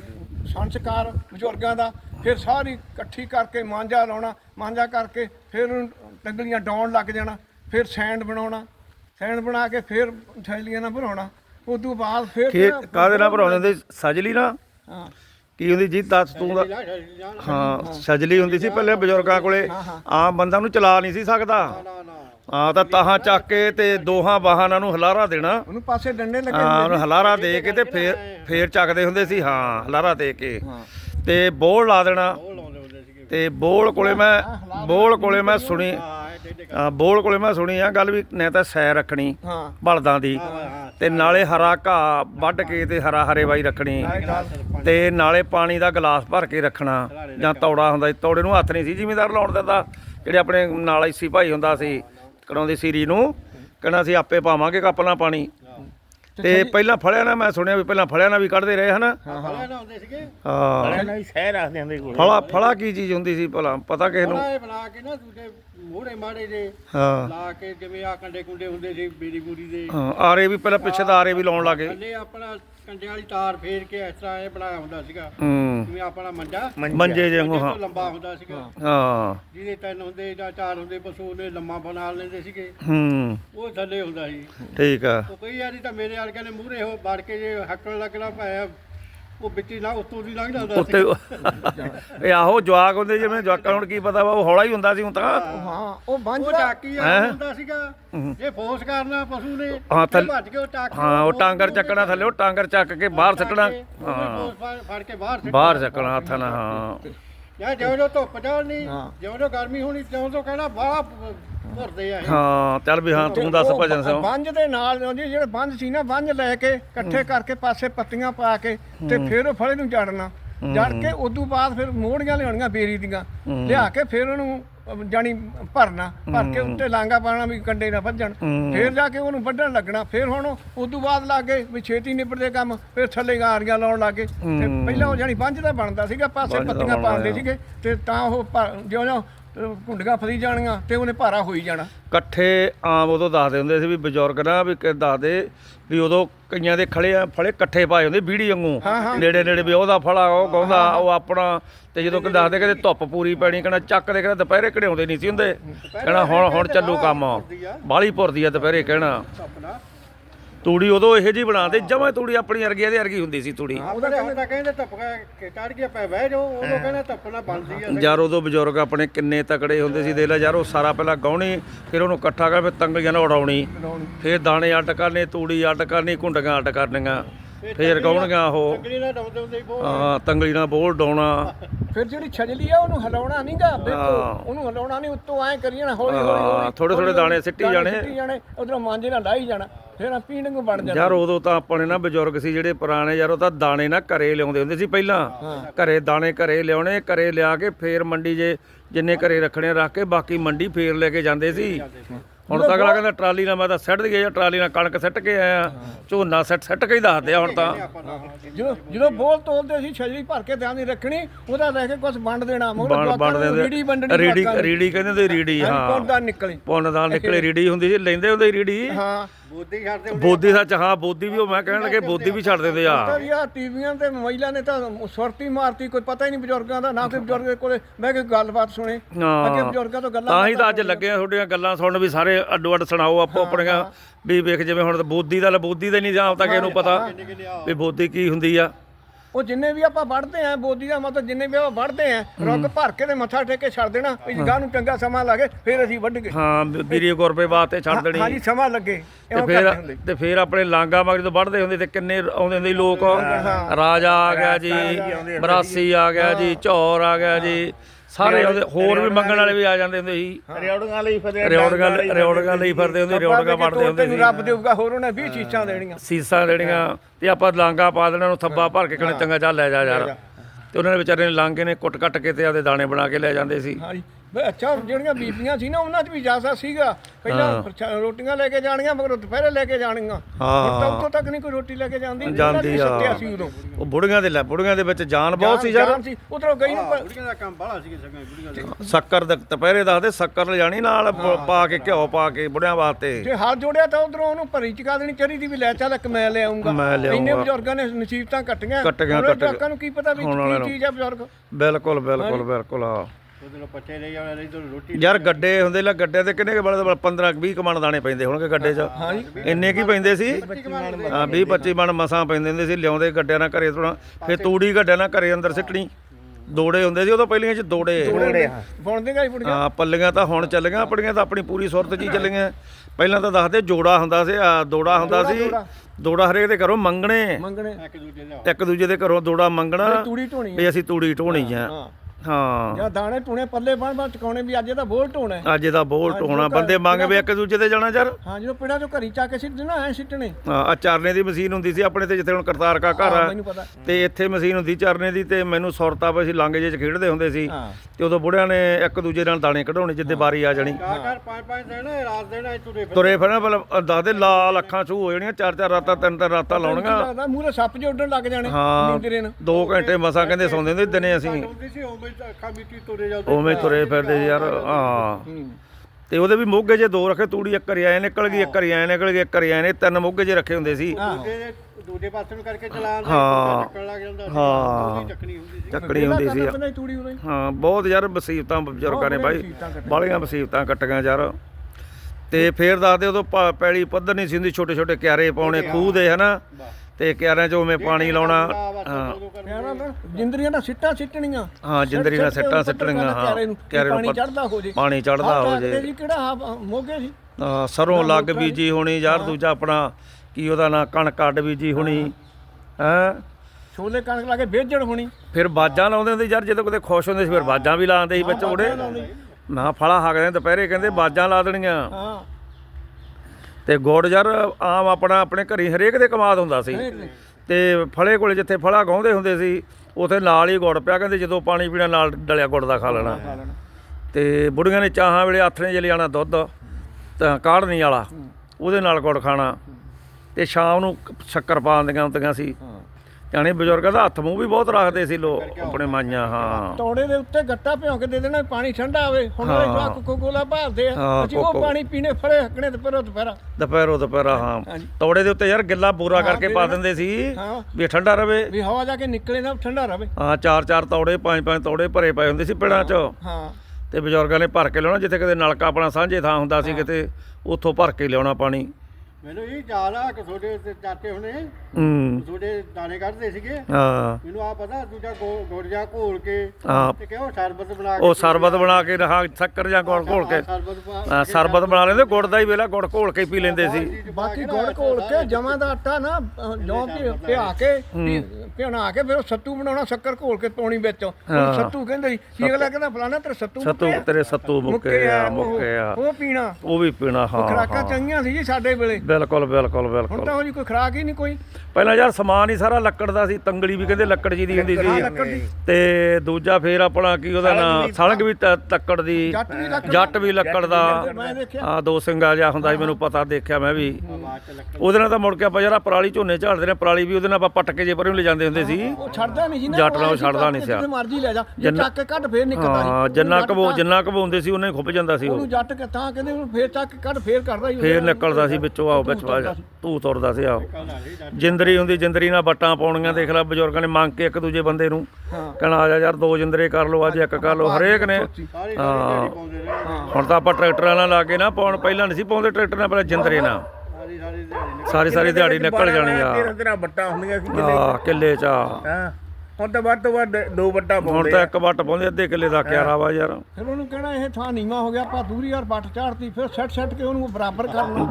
[SPEAKER 3] ਸੰਸਕਾਰ ਬਜ਼ੁਰਗਾਂ ਦਾ। ਫਿਰ ਸਾਰੀ ਇਕੱਠੀ ਕਰਕੇ ਮਾਂਜਾ ਲਾਉਣਾ ਮਾਂਜਾ ਕਰਕੇ ਫਿਰ ਉਹਨੂੰ ਤੰਗਲੀਆਂ ਡਾਉਣ ਲੱਗ ਜਾਣਾ। ਫਿਰ ਸੈਂਡ ਬਣਾਉਣਾ ਸੈਂਡ ਬਣਾ ਕੇ ਫਿਰ ਥੈਲੀਆਂ ਨਾਲ ਭਰਾਉਣਾ। ਉਸ ਤੋਂ ਬਾਅਦ ਫਿਰ
[SPEAKER 1] ਕਾਹਦੇ ਨਾਲ ਭਰਾਉਂਦੇ ਹੁੰਦੇ? ਸਜਲੀ ਨਾਲ?
[SPEAKER 3] ਹਾਂ
[SPEAKER 1] ਕੀ ਹੁੰਦੀ ਜੀ ਦੱਸ ਤੂੰ ਦਾ? ਹਾਂ ਸਜਲੀ ਹੁੰਦੀ ਸੀ ਪਹਿਲੇ ਬਜ਼ੁਰਗਾਂ ਕੋਲੇ। ਆਮ ਬੰਦਾ ਨੂੰ ਚਲਾ ਨਹੀਂ ਸੀ ਸਕਦਾ। ਹਾਂ ਤਾਂ ਤਾਹਾਂ ਚੱਕ ਕੇ ਤੇ ਦੋਹਾਂ ਬਾਹਾਂ ਨਾਲ ਨੂੰ ਹਲਾਰਾ ਦੇਣਾ।
[SPEAKER 3] ਉਹਨੂੰ ਪਾਸੇ ਡੰਡੇ ਲੱਗੇ
[SPEAKER 1] ਹਾਂ ਉਹਨੂੰ ਹਲਾਰਾ ਦੇ ਕੇ ਤੇ ਫੇਰ ਚੱਕਦੇ ਹੁੰਦੇ ਸੀ। ਹਾਂ ਹਲਾਰਾ ਦੇ ਕੇ ਤੇ ਬੋਲ ਲਾ ਦੇਣਾ। ਤੇ ਬੋਲ ਕੋਲੇ ਮੈਂ ਸੁਣੀ ਆ ਗੱਲ ਵੀ ਨੇ ਤਾਂ ਸੈਰ ਰੱਖਣੀ ਬਲਦਾਂ ਦੀ ਤੇ ਨਾਲੇ ਹਰਾ ਘਾਹ ਵੱਢ ਕੇ ਤੇ ਹਰੇ ਬਾਈ ਰੱਖਣੀ ਤੇ ਨਾਲੇ ਪਾਣੀ ਦਾ ਗਲਾਸ ਭਰ ਕੇ ਰੱਖਣਾ ਜਾਂ ਤੌੜਾ ਹੁੰਦਾ ਸੀ। ਤੌੜੇ ਨੂੰ ਹੱਥ ਨਹੀਂ ਸੀ ਜ਼ਿਮੀਂਦਾਰ ਲਾਉਣ ਦਿੰਦਾ। ਜਿਹੜੇ ਆਪਣੇ ਨਾਲ ਇਸੀ ਭਾਈ ਹੁੰਦਾ ਸੀ ਕਰਾਉਂਦੀ ਸੀਰੀ ਨੂੰ ਕਹਿਣਾ ਸੀ ਆਪੇ ਪਾਵਾਂਗੇ ਕੱਪ ਨਾਲ ਪਾਣੀ। ਤੇ ਪਹਿਲਾਂ ਫਲਿਆਂ ਨਾਲ ਮੈਂ ਸੁਣਿਆ ਵੀ ਪਹਿਲਾਂ ਫਲਿਆਂ ਨਾਲ ਵੀ ਕੱਢਦੇ ਰਹੇ ਹਨਾ। ਹਾਂ ਫਲਾ ਕੀ ਚੀਜ਼ ਹੁੰਦੀ ਸੀ ਭਲਾ ਪਤਾ ਕਿਸੇ ਨੂੰ?
[SPEAKER 2] ਬਣਾ ਕੇ ਨਾ ਮੋੜੇ ਮਾੜੇ ਦੇ ਲਾ ਕੇ ਜਿਵੇਂ ਆ ਕੰਡੇ ਕੁੰਡੇ ਹੁੰਦੇ ਸੀ ਬੀੜੀ ਬੂੜੀ ਦੇ।
[SPEAKER 1] ਆਰੇ ਵੀ ਪਹਿਲਾਂ ਪਿੱਛੇ ਦਾ ਆਰੇ ਵੀ ਲਾਉਣ ਲੱਗੇ।
[SPEAKER 2] ਥੱਲੇ ਆਪਣਾ ਕੰਡੇ ਵਾਲੀ ਤਾਰ ਫੇਰ ਕੇ ਇਸ ਤਰ੍ਹਾਂ ਇਹ ਬਣਾਇਆ ਹੁੰਦਾ ਸੀਗਾ ਜਿਵੇਂ ਆਪਣਾ
[SPEAKER 1] ਮੰਜੇ ਵਾਂਗੂ। ਹਾਂ
[SPEAKER 2] ਲੰਬਾ ਹੁੰਦਾ ਸੀਗਾ।
[SPEAKER 1] ਹਾਂ ਜਿਹਦੇ
[SPEAKER 2] 3 ਹੁੰਦੇ ਜਾਂ 4 ਹੁੰਦੇ ਪਸ਼ੂ ਉਹਨੇ ਲੰਮਾ ਬਣਾ ਲੈਂਦੇ ਸੀਗੇ। ਉਹ ਥੱਲੇ ਹੁੰਦਾ ਸੀ।
[SPEAKER 1] ਠੀਕ ਆ।
[SPEAKER 2] ਉਹ ਕਈ ਵਾਰੀ ਤਾਂ ਮੇਰੇ ਵਾਲੇ ਕਹਿੰਦੇ ਮੂਹਰੇ ਉਹ ਵੜ ਕੇ ਜੇ ਹੱਕਣ ਲੱਗਣਾ ਪਾਇਆ ਉਹ ਵਿੱਚ ਹੀ ਨਾ ਉੱਤੋਂ ਦੀ ਲੰਘ ਜਾਂਦਾ
[SPEAKER 1] ਉੱਤੇ ਇਹ ਆਹੋ ਜਵਾਕ ਹੁੰਦੇ ਜਿਵੇਂ ਜਵਾਕਾਂ ਨੂੰ ਕੀ ਪਤਾ ਵਾ ਉਹ ਹੌਲਾ ਹੀ ਹੁੰਦਾ ਸੀ ਹੁਣ ਤਾਂ।
[SPEAKER 3] ਹਾਂ ਉਹ ਬੰਜ
[SPEAKER 2] ਟਾਕੀ ਹੁੰਦਾ ਸੀਗਾ ਜੇ ਫੋਰਸ ਕਰਨਾ ਪਸ਼ੂ ਨੇ ਭੱਜ ਕੇ ਉਹ ਟਾਕੀ
[SPEAKER 1] ਹਾਂ ਉਹ ਟਾਂਗਰ ਚੱਕਣਾ ਥੱਲੇ ਉਹ ਟਾਂਗਰ ਚੱਕ ਕੇ ਬਾਹਰ ਸੁੱਟਣਾ।
[SPEAKER 2] ਹਾਂ ਫੜ ਕੇ
[SPEAKER 1] ਬਾਹਰ ਚੱਕਣਾ ਹੱਥਾਂ ਨਾਲ। ਹਾਂ
[SPEAKER 2] ਯਾਰ ਜਿਉਂ ਧੁੱਪ ਚੜ੍ਹਨੀ ਜਿਉਂ ਗਰਮੀ ਹੋਣੀ ਤਿਉਂ ਕਹਿਣਾ ਬਾਹਲਾ ਭਰਦੇ ਆ। ਹਾਂ
[SPEAKER 1] ਚੱਲ ਵੀ ਹਾਂ ਤੂੰ ਦੱਸ ਭਜਨ ਸਿੰਘ।
[SPEAKER 3] ਬੰਜ ਦੇ ਨਾਲ ਜੀ ਜਿਹੜੇ ਬੰਜ ਸੀ ਨਾ ਬੰਜ ਲੈ ਕੇ ਇਕੱਠੇ ਕਰਕੇ ਪਾਸੇ ਪੱਤੀਆਂ ਪਾ ਕੇ ਤੇ ਫਿਰ ਉਹ ਫਲੇ ਨੂੰ ਜੜਨਾ ਜੜ ਕੇ ਉਦੋਂ ਬਾਅਦ ਫਿਰ ਮੋੜੀਆਂ ਲਿਆਉਣੀਆਂ ਬੇਰੀ ਦੀਆਂ ਲਿਆ ਕੇ ਫਿਰ ਉਹਨੂੰ ਜਾਣੀ ਭਰਨਾ ਭਰ ਕੇ ਉੱਤੇ ਲਾਂਗਾ ਪਾਉਣਾ ਵੀ ਕੰਡੇ ਨਾ ਵੱਜਣ। ਫਿਰ ਜਾ ਕੇ ਉਹਨੂੰ ਵੱਢਣ ਲੱਗਣਾ। ਫਿਰ ਹੁਣ ਉਦੋਂ ਬਾਅਦ ਲੱਗੇ ਵੀ ਛੇਤੀ ਨਿਬੜਦੇ ਕੰਮ ਫਿਰ ਥੱਲੇ ਆਰੀਆਂ ਲਾਉਣ ਲੱਗੇ। ਤੇ ਪਹਿਲਾਂ ਉਹ ਜਾਣੀ ਬੰਜ ਦਾ ਬਣਦਾ ਸੀਗਾ ਪਾਸੇ ਪੱਤੀਆਂ ਪਾਉਂਦੇ ਸੀਗੇ ਤੇ ਤਾਂ ਉਹ ਜਿਉਂ ਕੁੰਡੀਆਂ ਫਰੀ ਜਾਣੀਆਂ ਤੇ ਉਹਨੇ ਭਾਰਾ ਹੋਈ ਜਾਣਾ।
[SPEAKER 1] ਇਕੱਠੇ ਆਮ ਉਦੋਂ ਦੱਸਦੇ ਹੁੰਦੇ ਸੀ ਵੀ ਬਜ਼ੁਰਗ ਨਾ ਵੀ ਦੱਸਦੇ ਵੀ ਉਦੋਂ ਕਈਆਂ ਦੇ ਫਲੇ ਇਕੱਠੇ ਪਾਏ ਹੁੰਦੇ ਬੀੜੀ ਵਾਂਗੂ ਨੇੜੇ ਵੀ ਉਹਦਾ ਫਲਾ ਉਹ ਗਾਉਂਦਾ ਉਹ ਆਪਣਾ। ਤੇ ਜਦੋਂ ਕਿ ਦੱਸਦੇ ਕਹਿੰਦੇ ਧੁੱਪ ਪੂਰੀ ਪੈਣੀ ਕਹਿਣਾ ਚੱਕਦੇ ਕਹਿੰਦਾ ਦੁਪਹਿਰੇ ਘੜਿਆਉਂਦੇ ਨਹੀਂ ਸੀ ਹੁੰਦੇ ਕਹਿਣਾ ਹੁਣ ਚੱਲੂ ਕੰਮ ਬਾਹਲੀ ਭੁਰਦੀ ਆ ਦੁਪਹਿਰੇ ਕਹਿਣਾ। ਤੂੜੀ ਉਦੋਂ ਇਹੋ ਜਿਹੀ ਬਣਾਉਂਦੇ ਜਮਾਂ ਤੂੜੀ ਆਪਣੀ ਅਰਗੀ ਦੇ ਅਰਗੀ ਹੁੰਦੀ ਸੀ ਤੂੜੀ।
[SPEAKER 3] ਉਹਦਾ ਤਾਂ ਕਹਿੰਦੇ ਧੱਪਕਾ ਚੜ ਗਿਆ ਪੈ ਬਹਿ ਜਾਓ, ਉਦੋਂ ਕਹਿੰਦੇ ਧੱਪਣਾ ਬਣਦੀ ਆ।
[SPEAKER 1] ਯਾਰ ਉਦੋਂ ਬਜ਼ੁਰਗ ਆਪਣੇ ਕਿੰਨੇ ਤਕੜੇ ਹੁੰਦੇ ਸੀ, ਦੇਖ ਲੈ ਯਾਰ। ਉਹ ਸਾਰਾ ਪਹਿਲਾਂ ਗਾਉਣੀ, ਫਿਰ ਉਹਨੂੰ ਇਕੱਠਾ ਕਰ, ਫਿਰ ਤੰਗਲੀਆਂ ਨਾਲ ਉਡਾਉਣੀ, ਫਿਰ ਦਾਣੇ ਅੱਡ ਕਰਨੇ, ਤੂੜੀ ਅੱਡ ਕਰਨੀ, ਘੁੰਡੀਆਂ ਅੱਡ ਕਰਨੀਆਂ, ਫਿਰ ਗਾਉਣੀਆਂ ਉਹ। ਹਾਂ, ਤੰਗਲੀ ਨਾਲ ਬੋਲ ਡਾਉਣਾ।
[SPEAKER 3] ਫਿਰ ਜਿਹੜੀ ਛਜਲੀ ਆ ਉਹਨੂੰ ਹਿਲਾਉਣਾ ਨਹੀਂਗਾ, ਉਹਨੂੰ ਹਿਲਾਉਣਾ ਨਹੀਂ, ਉੱਤੋਂ ਐਂ ਕਰੀ ਜਾਣਾ ਹੌਲੀ ਹੌਲੀ,
[SPEAKER 1] ਥੋੜੇ ਥੋੜੇ ਦਾਣੇ ਸਿੱਟੀ ਜਾਣੇ,
[SPEAKER 3] ਉਧਰੋਂ ਮਾਂਜੇ ਨਾਲ ਲਾਈ ਜਾਣਾ, ਫਿਰ ਪੀਂਡਿੰਗ ਬਣ ਜਾਣਾ।
[SPEAKER 1] ਯਾਰ ਉਦੋਂ ਤਾਂ ਆਪਣੇ ਨਾ ਬਜ਼ੁਰਗ ਸੀ ਜਿਹੜੇ ਪੁਰਾਣੇ, ਯਾਰ ਉਹ ਤਾਂ ਦਾਣੇ ਨਾ ਘਰੇ ਲਿਆਉਂਦੇ ਹੁੰਦੇ ਸੀ ਪਹਿਲਾਂ। ਘਰੇ ਦਾਣੇ ਘਰੇ ਲਿਆਉਣੇ, ਘਰੇ ਲਿਆ ਕੇ ਫੇਰ ਮੰਡੀ ਜਿੰਨੇ ਘਰੇ ਰੱਖਣੇ ਰੱਖ ਕੇ, ਬਾਕੀ ਮੰਡੀ ਫੇਰ ਲੈ ਕੇ ਜਾਂਦੇ ਸੀ। ਹੁਣ ਤਾਂ ਅਗਲਾ ਕਹਿੰਦਾ ਟਰਾਲੀ ਨਾਲ ਮੈਂ ਤਾਂ ਸਿੱਟ ਦਈਏ, ਜਾਂ ਟਰਾਲੀ ਨਾਲ ਕਣਕ ਸਿੱਟ ਕੇ ਆਇਆ, ਝੋਨਾ ਸਿੱਟ ਕੇ ਹੀ ਦੱਸਦੇ ਆ ਹੁਣ ਤਾਂ।
[SPEAKER 3] ਜਦੋਂ ਬੋਲ ਤੋਲਦੇ ਸੀ ਛਜਲੀ ਭਰ ਕੇ ਧਿਆਨ ਨਹੀਂ ਰੱਖਣੀ, ਉਹਦਾ ਲੈ ਕੇ ਕੁਝ ਵੰਡ ਦੇਣਾ,
[SPEAKER 1] ਵੰਡ ਦਿੰਦੇ,
[SPEAKER 3] ਰੀੜੀ ਵੰਡਣੀ,
[SPEAKER 1] ਰੀੜੀ ਕਹਿੰਦੇ ਹੁੰਦੇ, ਰੀੜੀ। ਹਾਂ,
[SPEAKER 3] ਪੁੰਨਦਾਨ ਨਿਕਲੇ,
[SPEAKER 1] ਪੁੰਨਦਾਨ ਨਿਕਲੇ, ਰੀੜੀ ਹੁੰਦੀ ਸੀ, ਲੈਂਦੇ ਹੁੰਦੇ ਰੀੜੀ।
[SPEAKER 3] ਹਾਂ,
[SPEAKER 1] ਬੋਦੀ ਸੱਚ, ਹਾਂ ਬੋਦੀ ਵੀ, ਉਹ ਮੈਂ ਕਹਿਣ ਲੱਗੇ ਬੋਦੀ ਵੀ ਛੱਡ ਦਿੰਦੇ ਆ।
[SPEAKER 3] ਯਾਰ ਟੀਵੀਆਂ ਤੇ ਮੋਬਾਈਲਾਂ ਨੇ ਤਾਂ ਸੁਰਤੀ ਮਾਰਤੀ, ਕੋਈ ਪਤਾ ਹੀ ਨਹੀਂ ਬਜ਼ੁਰਗਾਂ ਦਾ, ਨਾ ਕੋਈ ਬਜ਼ੁਰਗ ਕੋਲੇ ਮੈਂ ਕੋਈ ਗੱਲਬਾਤ ਸੁਣੇ। ਅੱਗੇ ਬਜ਼ੁਰਗਾਂ ਤੋਂ ਗੱਲਾਂ,
[SPEAKER 1] ਤਾਂ ਹੀ ਤਾਂ ਅੱਜ ਲੱਗੇ ਆ ਤੁਹਾਡੀਆਂ ਗੱਲਾਂ ਸੁਣਨ ਵੀ ਸਾਰੇ ਅੱਡੋ ਅੱਡ ਸੁਣਾਓ ਆਪੋ ਆਪਣੀਆਂ ਵੀ। ਵੇਖ ਜਿਵੇਂ ਹੁਣ ਬੋਦੀ ਦਾ ਨਹੀਂ ਜਾਂ ਤਾਂ ਕਿਸੇ ਨੂੰ ਪਤਾ ਵੀ ਬੋਦੀ ਕੀ ਹੁੰਦੀ ਆ।
[SPEAKER 3] ਉਹ ਜਿੰਨੇ ਵੀ ਆਪਾਂ ਵੜਦੇ ਆ, ਬੋਦੀ ਦਾ ਮਤਲਬ ਜਿੰਨੇ ਵੀ ਆਪਾਂ ਵੜਦੇ ਆ, ਰੁੱਗ ਭਰ ਕੇ ਤੇ ਮੱਥਾ ਟੇਕ ਕੇ ਛੱਡ ਦੇਣਾ, ਵੀ ਗਾਂ ਨੂੰ ਚੰਗਾ ਸਮਾਂ ਲੱਗੇ ਫਿਰ ਅਸੀਂ ਵੱਢ ਗਏ।
[SPEAKER 1] ਹਾਂ, ਵੀਰੇ ਗੁਰਪੇ ਵਾਸਤੇ ਛੱਡ ਦੇਣੀ।
[SPEAKER 3] ਹਾਂਜੀ, ਸਮਾਂ ਲੱਗੇ
[SPEAKER 1] ਤੇ ਫਿਰ ਆਪਣੇ ਲਾਂਗਾ ਮਗਰ ਤੋਂ ਵੱਢਦੇ ਹੁੰਦੇ ਤੇ ਕਿੰਨੇ ਆਉਂਦੇ ਹੁੰਦੇ ਲੋਕ। ਰਾਜਾ ਆ ਗਿਆ ਜੀ, ਬਰਾਸੀ ਆ ਗਿਆ ਜੀ, ਝੌਰ ਆ ਗਿਆ ਜੀ, ਸਾਰੇ ਆਉਂਦੇ, ਹੋਰ ਵੀ ਮੰਗਣ ਵਾਲੇ ਵੀ ਆ ਜਾਂਦੇ ਹੁੰਦੇ ਸੀ।
[SPEAKER 2] ਰਿਓੜੀਆਂ ਲਈ ਫਿਰਦੇ
[SPEAKER 1] ਹੁੰਦੇ, ਰਿਓੜੀਆਂ ਵੜਦੇ ਹੁੰਦੇ ਸੀ।
[SPEAKER 3] ਰੱਬ ਦੇਊਗਾ, ਹੋਰ ਉਹਨੇ 20 ਚੀਜ਼ਾਂ ਦੇਣੀਆਂ,
[SPEAKER 1] ਸੀਸਾਂ ਦੇਣੀਆਂ, ਤੇ ਆਪਾਂ ਲਾਂਗਾ ਪਾ ਦੇਣਾ, ਉਹਨੂੰ ਥੱਬਾ ਭਰ ਕੇ ਕਹਿੰਦੇ ਚੰਗਾ ਚੱਲ ਲੈ ਜਾ ਯਾਰ। ਤੇ ਉਹਨਾਂ ਨੇ ਵਿਚਾਰੇ ਨੇ ਲਾਂਗੇ ਨੇ ਕੁੱਟ ਕੱਟ ਕੇ ਤੇ ਆਪਦੇ ਦਾਣੇ ਬਣਾ ਕੇ ਲੈ ਜਾਂਦੇ ਸੀ।
[SPEAKER 3] ਹਾਂਜੀ, ਅੱਛਾ, ਜਿਹੜੀਆਂ ਬੀਬੀਆਂ ਸੀ ਨਾ ਉਹਨਾਂ 'ਚ ਵੀ ਇਜਾਜ਼ਤ ਸੀਗਾ, ਪਹਿਲਾਂ ਰੋਟੀਆਂ ਲੈ ਕੇ ਜਾਣੀਆਂ, ਮਗਰ ਦੁਪਹਿਰੇ ਲੈ ਕੇ ਜਾਣੀਆਂ। ਹੁਣ ਤਾਂ ਉੱਥੋਂ ਤੱਕ ਨਹੀਂ ਕੋਈ ਰੋਟੀ ਲੈ ਕੇ ਜਾਂਦੀ ਆ।
[SPEAKER 1] ਉਹ ਬੁੜੀਆਂ ਦੇ ਵਿੱਚ ਜਾਨ ਬਹੁਤ ਸੀ ਯਾਰ।
[SPEAKER 3] ਉਧਰੋਂ ਗਈ ਨੂੰ
[SPEAKER 4] ਦਾ ਕੰਮ ਬਾਹਲਾ ਸੀ
[SPEAKER 1] ਸ਼ੱਕਰ ਦੁਪਹਿਰੇ ਦੱਸਦੇ, ਸ਼ੱਕਰ ਲਿਜਾਣੀ ਨਾਲ ਪਾ ਕੇ, ਘਿਓ ਪਾ ਕੇ ਬੁੜਿਆਂ ਵਾਸਤੇ।
[SPEAKER 3] ਜੇ ਹੱਥ ਜੋੜਿਆ ਤਾਂ ਉਧਰੋਂ ਉਹਨੂੰ ਭਰੀ ਚਕਾ ਦੇਣੀ ਚਾਹੀਦੀ ਵੀ ਲੈ ਚੱਲ ਇੱਕ ਮੈਂ ਲੈ ਆਉਂਗਾ। ਇੰਨੇ ਬਜ਼ੁਰਗਾਂ ਨੇ ਨਸੀਬਤਾਂ ਕੱਟੀਆਂ, ਲੋਕਾਂ ਨੂੰ ਕੀ ਪਤਾ ਵੀ ਕੀ ਚੀਜ਼ ਆ ਬਜ਼ੁਰਗ।
[SPEAKER 1] ਬਿਲਕੁਲ ਬਿਲਕੁਲ ਬਿਲਕੁਲ। ਹਾਂ
[SPEAKER 4] ਪੱਠੇ ਲੈ ਜਾਣੇ, ਰੋਟੀ
[SPEAKER 1] ਯਾਰ ਗੱਡੇ ਹੁੰਦੇ ਲੈ, ਗੱਡੇ ਤੇ ਕਿੰਨੇ ਬੜੇ 15-20 ਕਮਣ ਦਾਣੇ ਪੈਂਦੇ ਹੋਣਗੇ ਗੱਡੇ 'ਚ। ਇੰਨੇ ਕੀ ਪੈਂਦੇ ਸੀ? ਹਾਂ, 20-25 ਮਣ ਮਸਾਂ ਪੈਂਦੇ ਹੁੰਦੇ ਸੀ, ਲਿਆਉਂਦੇ ਗੱਡਿਆਂ ਨਾਲ ਘਰੇ ਥੋੜਾ। ਫਿਰ ਤੂੜੀ ਗੱਡਿਆਂ ਨਾਲ ਘਰੇ ਅੰਦਰ ਸਿੱਟਣੀ। ਦੋੜੇ ਹੁੰਦੇ ਸੀ ਉਦੋਂ ਪਹਿਲੀਆਂ 'ਚ, ਦੋੜੇ। ਹਾਂ, ਪੱਲੀਆਂ ਤਾਂ ਹੁਣ ਚੱਲੀਆਂ ਆਪਣੀਆਂ, ਤਾਂ ਆਪਣੀ ਪੂਰੀ ਸੁਰਤ 'ਚ ਹੀ ਚੱਲੀਆਂ। ਪਹਿਲਾਂ ਤਾਂ ਦੱਸਦੇ ਜੋੜਾ ਹੁੰਦਾ ਸੀ, ਦੋੜਾ ਹੁੰਦਾ ਸੀ। ਦੋੜਾ ਹਰੇਕ ਦੇ ਘਰੋਂ ਮੰਗਣੇ, ਇੱਕ ਦੂਜੇ ਦੇ ਘਰੋਂ ਦੋੜਾ ਮੰਗਣਾ ਵੀ ਅਸੀਂ ਤੂੜੀ ਢੋਣੀ ਆ। ਹਾਂ,
[SPEAKER 3] ਜਾਂ ਦਾਣੇ ਟੂਣੇ ਪੱਲੇ ਬਣ ਚਕਾਉਣੇ ਵੀ ਅੱਜ ਇਹਦਾ ਬੋਲ ਢੋਣਾ,
[SPEAKER 1] ਅੱਜ ਇਹਦਾ ਬੋਲ ਢੋਣਾ। ਬੰਦੇ ਮੰਗ ਵੀ ਇੱਕ ਦੂਜੇ ਤੇ ਜਾਣਾ ਯਾਰ।
[SPEAKER 3] ਹਾਂ, ਜਦੋਂ ਪਿੰਡਾਂ ਚੋਂ ਘਰੀ ਚਾ ਕੇ ਸਿੱਟਦੇ ਨਾ, ਐ ਸਿੱਟਣੇ।
[SPEAKER 1] ਹਾਂ, ਚਰਨੇ ਦੀ ਮਸ਼ੀਨ ਹੁੰਦੀ ਸੀ ਆਪਣੇ ਤੇ, ਜਿੱਥੇ ਹੁਣ ਕਰਤਾਰ ਕਾ ਘਰ ਆ, ਤੇ ਇੱਥੇ ਮਸ਼ੀਨ ਹੁੰਦੀ ਚਰਨੇ ਦੀ। ਤੇ ਮੈਨੂੰ ਸੁਰਤਾ ਵੀ ਅਸੀਂ ਲਾਂਗੇ ਜੇ 'ਚ ਖੇਡਦੇ ਹੁੰਦੇ ਸੀ, ਤੇ ਉਦੋਂ ਬੁੜਿਆਂ ਨੇ ਇੱਕ ਦੂਜੇ ਨਾਲ ਦਾਣੇ ਕਢਾਉਣੇ ਜਿੱਦੇ ਵਾਰੀ ਆ ਜਾਣੀ।
[SPEAKER 4] 5-5 ਦਿਨ ਰਾਤ ਦੇਣਾ
[SPEAKER 1] ਤੁਰੇ ਫਿਰਨਾ, ਪਹਿਲਾਂ ਦੱਸਦੇ ਲਾਲ ਅੱਖਾਂ ਛੂ ਹੋ ਜਾਣੀਆਂ, 4-4 ਰਾਤਾਂ 3-3 ਰਾਤਾਂ ਲਾਉਣੀਆਂ।
[SPEAKER 3] ਮੂਹਰੇ ਸੱਪ ਜੇ ਉੱਡਣ ਲੱਗ ਜਾਣੇ।
[SPEAKER 1] ਹਾਂ, 2 ਘੰਟੇ ਮਸਾਂ ਕਹਿੰਦੇ ਸੌਂਦੇ ਹੁੰਦੇ ਦਿਨੇ ਅਸੀਂ। ਉਵੇਂ ਤੁਰੇ ਫਿਰਦੇ ਯਾਰ। ਹਾਂ, ਤੇ ਉਹਦੇ ਵੀ ਮੋਗੇ ਜੇ 2 ਰੱਖੇ, ਤੂੜੀ ਇੱਕ ਘਰੀ ਐ ਨਿਕਲ ਗਈ, ਇੱਕ ਘਰੀ ਐ ਨਿਕਲ ਗਈ, ਇੱਕ ਘਰੀ ਐ ਨੇ, 3 ਮੋਗੇ ਜੇ ਰੱਖੇ ਹੁੰਦੇ ਸੀ।
[SPEAKER 4] ਦੂਜੇ ਪਾਸੇ ਨੂੰ ਕਰਕੇ ਚਲਾਉਂਦੇ, ਚੱਕਣ ਲੱਗ ਜਾਂਦਾ ਸੀ।
[SPEAKER 1] ਹਾਂ, ਚੱਕਣੀ ਹੁੰਦੀ ਸੀ। ਹਾਂ, ਬਹੁਤ ਯਾਰ ਮੁਸੀਬਤਾਂ ਬਜ਼ੁਰਗਾਂ ਨੇ ਬਾਈ, ਬਾਹਲੀਆਂ ਮੁਸੀਬਤਾਂ ਕੱਟੀਆਂ ਯਾਰ। ਤੇ ਫੇਰ ਦੱਸਦੇ ਉਦੋਂ ਪੈਲੀ ਪੱਧਰ ਨਹੀਂ ਸੀ ਹੁੰਦੀ, ਛੋਟੇ ਛੋਟੇ ਕਿਆਰੇ ਪਾਉਣੇ ਖੂਹ ਦੇ, ਹਨਾ, ਤੇ ਕਿਆਰਿਆਂ 'ਚ ਉਵੇਂ ਪਾਣੀ ਲਾਉਣਾ। ਹਾਂ,
[SPEAKER 3] ਜਿੰਦਰੀਆਂ ਨਾਲ ਸਿੱਟਾਂ ਸਿੱਟਣੀਆਂ।
[SPEAKER 1] ਹਾਂ, ਜਿੰਦਰੀ ਨਾਲ ਸਿੱਟਾਂ ਸਿੱਟਣੀਆਂ। ਹਾਂ, ਕਿਆਰੇ ਨੂੰ ਪਾਣੀ ਚੜਦਾ ਹੋ ਜੇ।
[SPEAKER 3] ਕਿਹੜਾ ਮੋਗੇ ਸੀ?
[SPEAKER 1] ਸਰੋਂ ਲੱਗ ਬੀਜੀ ਹੋਣੀ ਯਾਰ। ਦੂਜਾ ਆਪਣਾ ਕੀ ਉਹਦਾ ਨਾਂ, ਕਣਕ ਅੱਡ ਬੀਜੀ ਹੋਣੀ। ਹੈਂ,
[SPEAKER 3] ਛੋਲੇ ਕਣਕ ਲਾ ਕੇ ਵੇਚਣ ਹੋਣੀ।
[SPEAKER 1] ਫਿਰ ਬਾਜਾਂ ਲਾਉਂਦੇ ਹੁੰਦੇ ਯਾਰ, ਜਦੋਂ ਕਿਤੇ ਖੁਸ਼ ਹੁੰਦੇ ਸੀ ਫਿਰ ਬਾਜਾਂ ਵੀ ਲਾਉਂਦੇ ਸੀ ਵਿੱਚ ਉਹਦੇ। ਨਾ ਫਲਾ ਹੱਕਦੇ ਦੁਪਹਿਰੇ ਕਹਿੰਦੇ ਬਾਜਾਂ ਲਾ ਦੇਣੀਆਂ। ਤੇ ਗੁੜ ਯਾਰ ਆਮ ਆਪਣੇ ਘਰੀ ਹਰੇਕ ਦੇ ਕਮਾਦ ਹੁੰਦਾ ਸੀ। ਤੇ ਫਲੇ ਕੋਲੇ ਜਿੱਥੇ ਫਲਾ ਗਾਉਂਦੇ ਹੁੰਦੇ ਸੀ, ਉੱਥੇ ਨਾਲ ਹੀ ਗੁੜ ਪਿਆ, ਕਹਿੰਦੇ ਜਦੋਂ ਪਾਣੀ ਪੀਣਾ ਨਾਲ ਡਲਿਆ ਗੁੜ ਦਾ ਖਾ ਲੈਣਾ। ਤੇ ਬੁੜੀਆਂ ਨੇ ਚਾਹਾਂ ਵੇਲੇ ਆਥਣੇ 'ਚ ਲਿਆਉਣਾ ਦੁੱਧ, ਤਾਂ ਕਾੜਨੀ ਵਾਲਾ, ਉਹਦੇ ਨਾਲ ਗੁੜ ਖਾਣਾ। ਤੇ ਸ਼ਾਮ ਨੂੰ ਸ਼ੱਕਰ ਪਾ ਦਿੰਦੀਆਂ ਹੁੰਦੀਆਂ ਸੀ। ਜਾਣੀ ਬਜ਼ੁਰਗਾਂ ਦਾ ਹੱਥ ਮੂੰਹ ਵੀ ਬਹੁਤ ਰੱਖਦੇ ਸੀ ਲੋਕ ਆਪਣੇ ਮਾਈਆਂ। ਹਾਂ,
[SPEAKER 3] ਤੌੜੇ ਦੇ ਉੱਤੇ ਗੱਟਾ ਭਿਉਂ ਕੇ ਦੇ ਦੇਣਾ, ਪਾਣੀ ਠੰਡਾ ਆਵੇ। ਹੁਣ ਵਾਲੇ ਜਵਾਕ ਕੋਕੋਲਾ ਭਾਲਦੇ ਆ, ਅਸੀਂ ਉਹ ਪਾਣੀ ਪੀਣੇ ਫੜੇ ਹੱਕਣੇ ਦੁਪਹਿਰਾ। ਹਾਂ, ਤੌੜੇ ਦੇ ਉੱਤੇ ਯਾਰ ਗਿੱਲਾ ਬੋਰਾ ਕਰਕੇ ਪਾ ਦਿੰਦੇ ਸੀ ਵੀ ਠੰਡਾ ਰਵੇ, ਵੀ ਹਵਾ ਜਾ ਕੇ ਨਿਕਲੇ ਨਾ, ਠੰਡਾ ਰਵੇ।
[SPEAKER 1] ਹਾਂ, 4-4 ਤੌੜੇ 5-5 ਤੌੜੇ ਭਰੇ ਪਏ ਹੁੰਦੇ ਸੀ ਪਿੰਡਾਂ 'ਚ।
[SPEAKER 3] ਹਾਂ,
[SPEAKER 1] ਤੇ ਬਜ਼ੁਰਗਾਂ ਨੇ ਭਰ ਕੇ ਲਿਆਉਣਾ, ਜਿੱਥੇ ਕਿਤੇ ਨਲਕਾ ਆਪਣਾ ਸਾਂਝੇ ਥਾਂ ਹੁੰਦਾ ਸੀ ਕਿਤੇ, ਉੱਥੋਂ ਭਰ ਕੇ ਲਿਆਉਣਾ ਪਾਣੀ।
[SPEAKER 4] ਮੈਨੂੰ ਇਹ ਯਾਦ ਆ ਕਿ ਤੁਹਾਡੇ ਤੇ ਚਾਚੇ ਹੁਣੇ ਤੁਹਾਡੇ ਦਾਣੇ ਕੱਢਦੇ ਸੀਗੇ।
[SPEAKER 1] ਹਾਂ
[SPEAKER 4] ਮੈਨੂੰ ਆ ਪਤਾ ਦੂਜਾ ਗੁੜ ਜਾ ਘੋਲ ਕੇ
[SPEAKER 1] ਹਾਂ
[SPEAKER 4] ਤੇ ਕਿਉਂ ਸ਼ਰਬਤ ਬਣਾ ਕੇ
[SPEAKER 1] ਉਹ ਸਰਬਤ ਬਣਾ ਕੇ ਰਹਾ ਸ਼ੱਕਰ ਜਾਂ ਗੁੜ ਘੋਲ ਕੇ ਸਰਬਤ ਬਣਾ ਲੈਂਦੇ, ਗੁੜ ਦਾ ਹੀ ਵੇਲਾ ਗੁੜ ਘੋਲ ਕੇ ਪੀ ਲੈਂਦੇ ਸੀ।
[SPEAKER 3] ਬਾਕੀ ਗੁੜ ਘੋਲ ਕੇ ਜਮਾਂ ਦਾ ਆਟਾ ਨਾ ਜੌਂ ਭਿਆ ਕੇ ਭਿਉਣਾ ਕੇ ਫਿਰ ਉਹ ਸੱਤੂ ਬਣਾਉਣਾ, ਸ਼ੱਕਰ ਘੋਲ ਕੇ ਪਾਉਣੀ ਵਿੱਚ। ਉਹਨੂੰ ਸੱਤੂ ਕਹਿੰਦੇ ਸੀ। ਕੀ ਅਗਲਾ ਕਹਿੰਦਾ ਫਲਾਣਾ ਤੇਰੇ ਸੱਤੂ
[SPEAKER 1] ਤੇਰੇ ਸੱਤੂ ਮੁੱਕੇ ਆ
[SPEAKER 3] ਉਹ ਪੀਣਾ,
[SPEAKER 1] ਉਹ ਵੀ ਪੀਣਾ। ਹਾਂ
[SPEAKER 3] ਖੁਰਾਕਾਂ ਚੰਗੀਆਂ ਸੀ ਜੀ ਸਾਡੇ ਵੇਲੇ।
[SPEAKER 1] ਬਿਲਕੁਲ ਬਿਲਕੁਲ
[SPEAKER 3] ਹੁਣ
[SPEAKER 1] ਬਿਲਕੁਲ।
[SPEAKER 3] ਤਾਂ ਉਹ ਜੀ ਕੋਈ ਖੁਰਾਕ ਹੀ ਨਹੀਂ ਕੋਈ।
[SPEAKER 1] ਪਹਿਲਾਂ ਯਾਰ ਸਮਾਨ ਹੀ ਸਾਰਾ ਲੱਕੜ ਦਾ ਸੀ, ਤੰਗੜੀ ਵੀ ਕਹਿੰਦੇ ਲੱਕੜ ਜੀ ਦੀ ਹੁੰਦੀ ਸੀ, ਤੇ ਦੂਜਾ ਫੇਰ ਆਪਣਾ ਕੀ ਉਹਦਾ ਨਾਂ ਸਲੰਗ ਵੀ ਲੱਕੜ ਦੀ, ਜੱਟ ਵੀ ਲੱਕੜ ਦਾ। ਹਾਂ ਦੋ ਸਿੰਘਾ ਜਿਹਾ ਹੁੰਦਾ ਸੀ, ਮੈਨੂੰ ਪਤਾ, ਦੇਖਿਆ ਮੈਂ ਵੀ। ਉਹਦੇ ਨਾਲ ਤਾਂ ਮੁੜ ਕੇ ਆਪਾਂ ਯਾਰ ਪਰਾਲੀ ਝੋਨੇ ਝਾੜਦੇ ਨੇ, ਪਰਾਲੀ ਵੀ ਉਹਦੇ ਨਾਲ ਆਪਾਂ ਪੱਟ ਕੇ ਜੇ ਪਰੇ ਨੂੰ ਲੈ ਜਾਂਦੇ ਹੁੰਦੇ ਸੀ।
[SPEAKER 3] ਉਹ ਛੱਡਦਾ ਨਹੀਂ ਸੀ ਨਾ,
[SPEAKER 1] ਜੱਟ ਨਾਲ ਛੱਡਦਾ ਨਹੀਂ ਸੀ।
[SPEAKER 3] ਜਿੱਥੇ ਮਰਜ਼ੀ ਲੈ ਜਾ, ਜੇ ਚੱਕ ਕੇ ਕੱਢ ਫੇਰ ਨਿਕਲਦਾ ਸੀ।
[SPEAKER 1] ਹਾਂ ਜਿੰਨਾ ਕਵਾਉਂਦੇ ਸੀ ਉਹਨੇ ਹੀ ਖੁੱਭ ਜਾਂਦਾ ਸੀ ਉਹ।
[SPEAKER 3] ਉਹਨੂੰ ਜੱਟ ਕੇ ਤਾਂ ਕਹਿੰਦੇ ਉਹਨੂੰ ਫੇਰ ਚੱਕ ਕੇ ਕੱਢ ਫੇਰ ਕਰਦਾ ਸੀ,
[SPEAKER 1] ਫੇਰ ਨਿਕਲਦਾ ਸੀ ਵਿੱਚੋਂ। ਆਓ ਵਿੱਚ ਤੂੰ ਤੁਰਦਾ ਸੀ। ਆਓ ਜਿੰਦਰੀ ਹੁੰਦੀ, ਜਿੰਦਰੀ ਨਾਲ ਵੱਟਾਂ ਪਾਉਣੀਆਂ। ਦੇਖ ਲੈ ਬਜ਼ੁਰਗਾਂ ਨੇ ਮੰਗ ਕੇ ਇੱਕ ਦੂਜੇ ਬੰਦੇ ਨੂੰ ਕਹਿਣਾ ਆ ਜਾ ਯਾਰ 2 ਜਿੰਦਰੇ ਕਰ ਲਓ, ਅੱਜ ਇੱਕ ਕਰ ਲਓ, ਹਰੇਕ ਨੇ। ਹਾਂ ਹੁਣ ਤਾਂ ਆਪਾਂ ਟਰੈਕਟਰਾਂ ਨਾਲ ਲਾ ਕੇ ਨਾ ਪਾਉਣ, ਪਹਿਲਾਂ ਨਹੀਂ ਸੀ ਪਾਉਂਦੇ ਟਰੈਕਟਰ ਨਾਲ, ਪਹਿਲਾਂ ਜਿੰਦਰੇ ਨਾਲ ਸਾਰੀ ਦਿਹਾੜੀ ਨਿਕਲ ਜਾਣੀ ਆ।
[SPEAKER 2] 13 ਵੱਟਾਂ ਹੁੰਦੀਆਂ ਸੀ
[SPEAKER 1] ਕਿੱਲੇ ਚ।
[SPEAKER 2] ਹਾਂ ਹੁਣ ਤਾਂ ਵੱਧ ਤੋਂ ਵੱਧ 2 ਵੱਟਾਂ
[SPEAKER 1] ਹੁਣ
[SPEAKER 2] ਪਾਉਂਦੇ।
[SPEAKER 1] ਤਾਂ 1 ਵੱਟ ਪਾਉਂਦੇ, ਅੱਧੇ ਕਿੱਲੇ ਦਾ ਕਿਆਰਾ ਵਾ ਯਾਰ।
[SPEAKER 3] ਫਿਰ ਉਹਨੂੰ ਕਹਿਣਾ ਇਹ ਥਾਂ ਨੀਵਾਂ ਹੋ ਗਿਆ, ਆਪਾਂ ਦੂਰੀ ਯਾਰ ਵੱਟ ਝਾੜਤੀ, ਫਿਰ ਸੱਟ ਕੇ ਉਹਨੂੰ ਬਰਾਬਰ ਕਰਨਾ,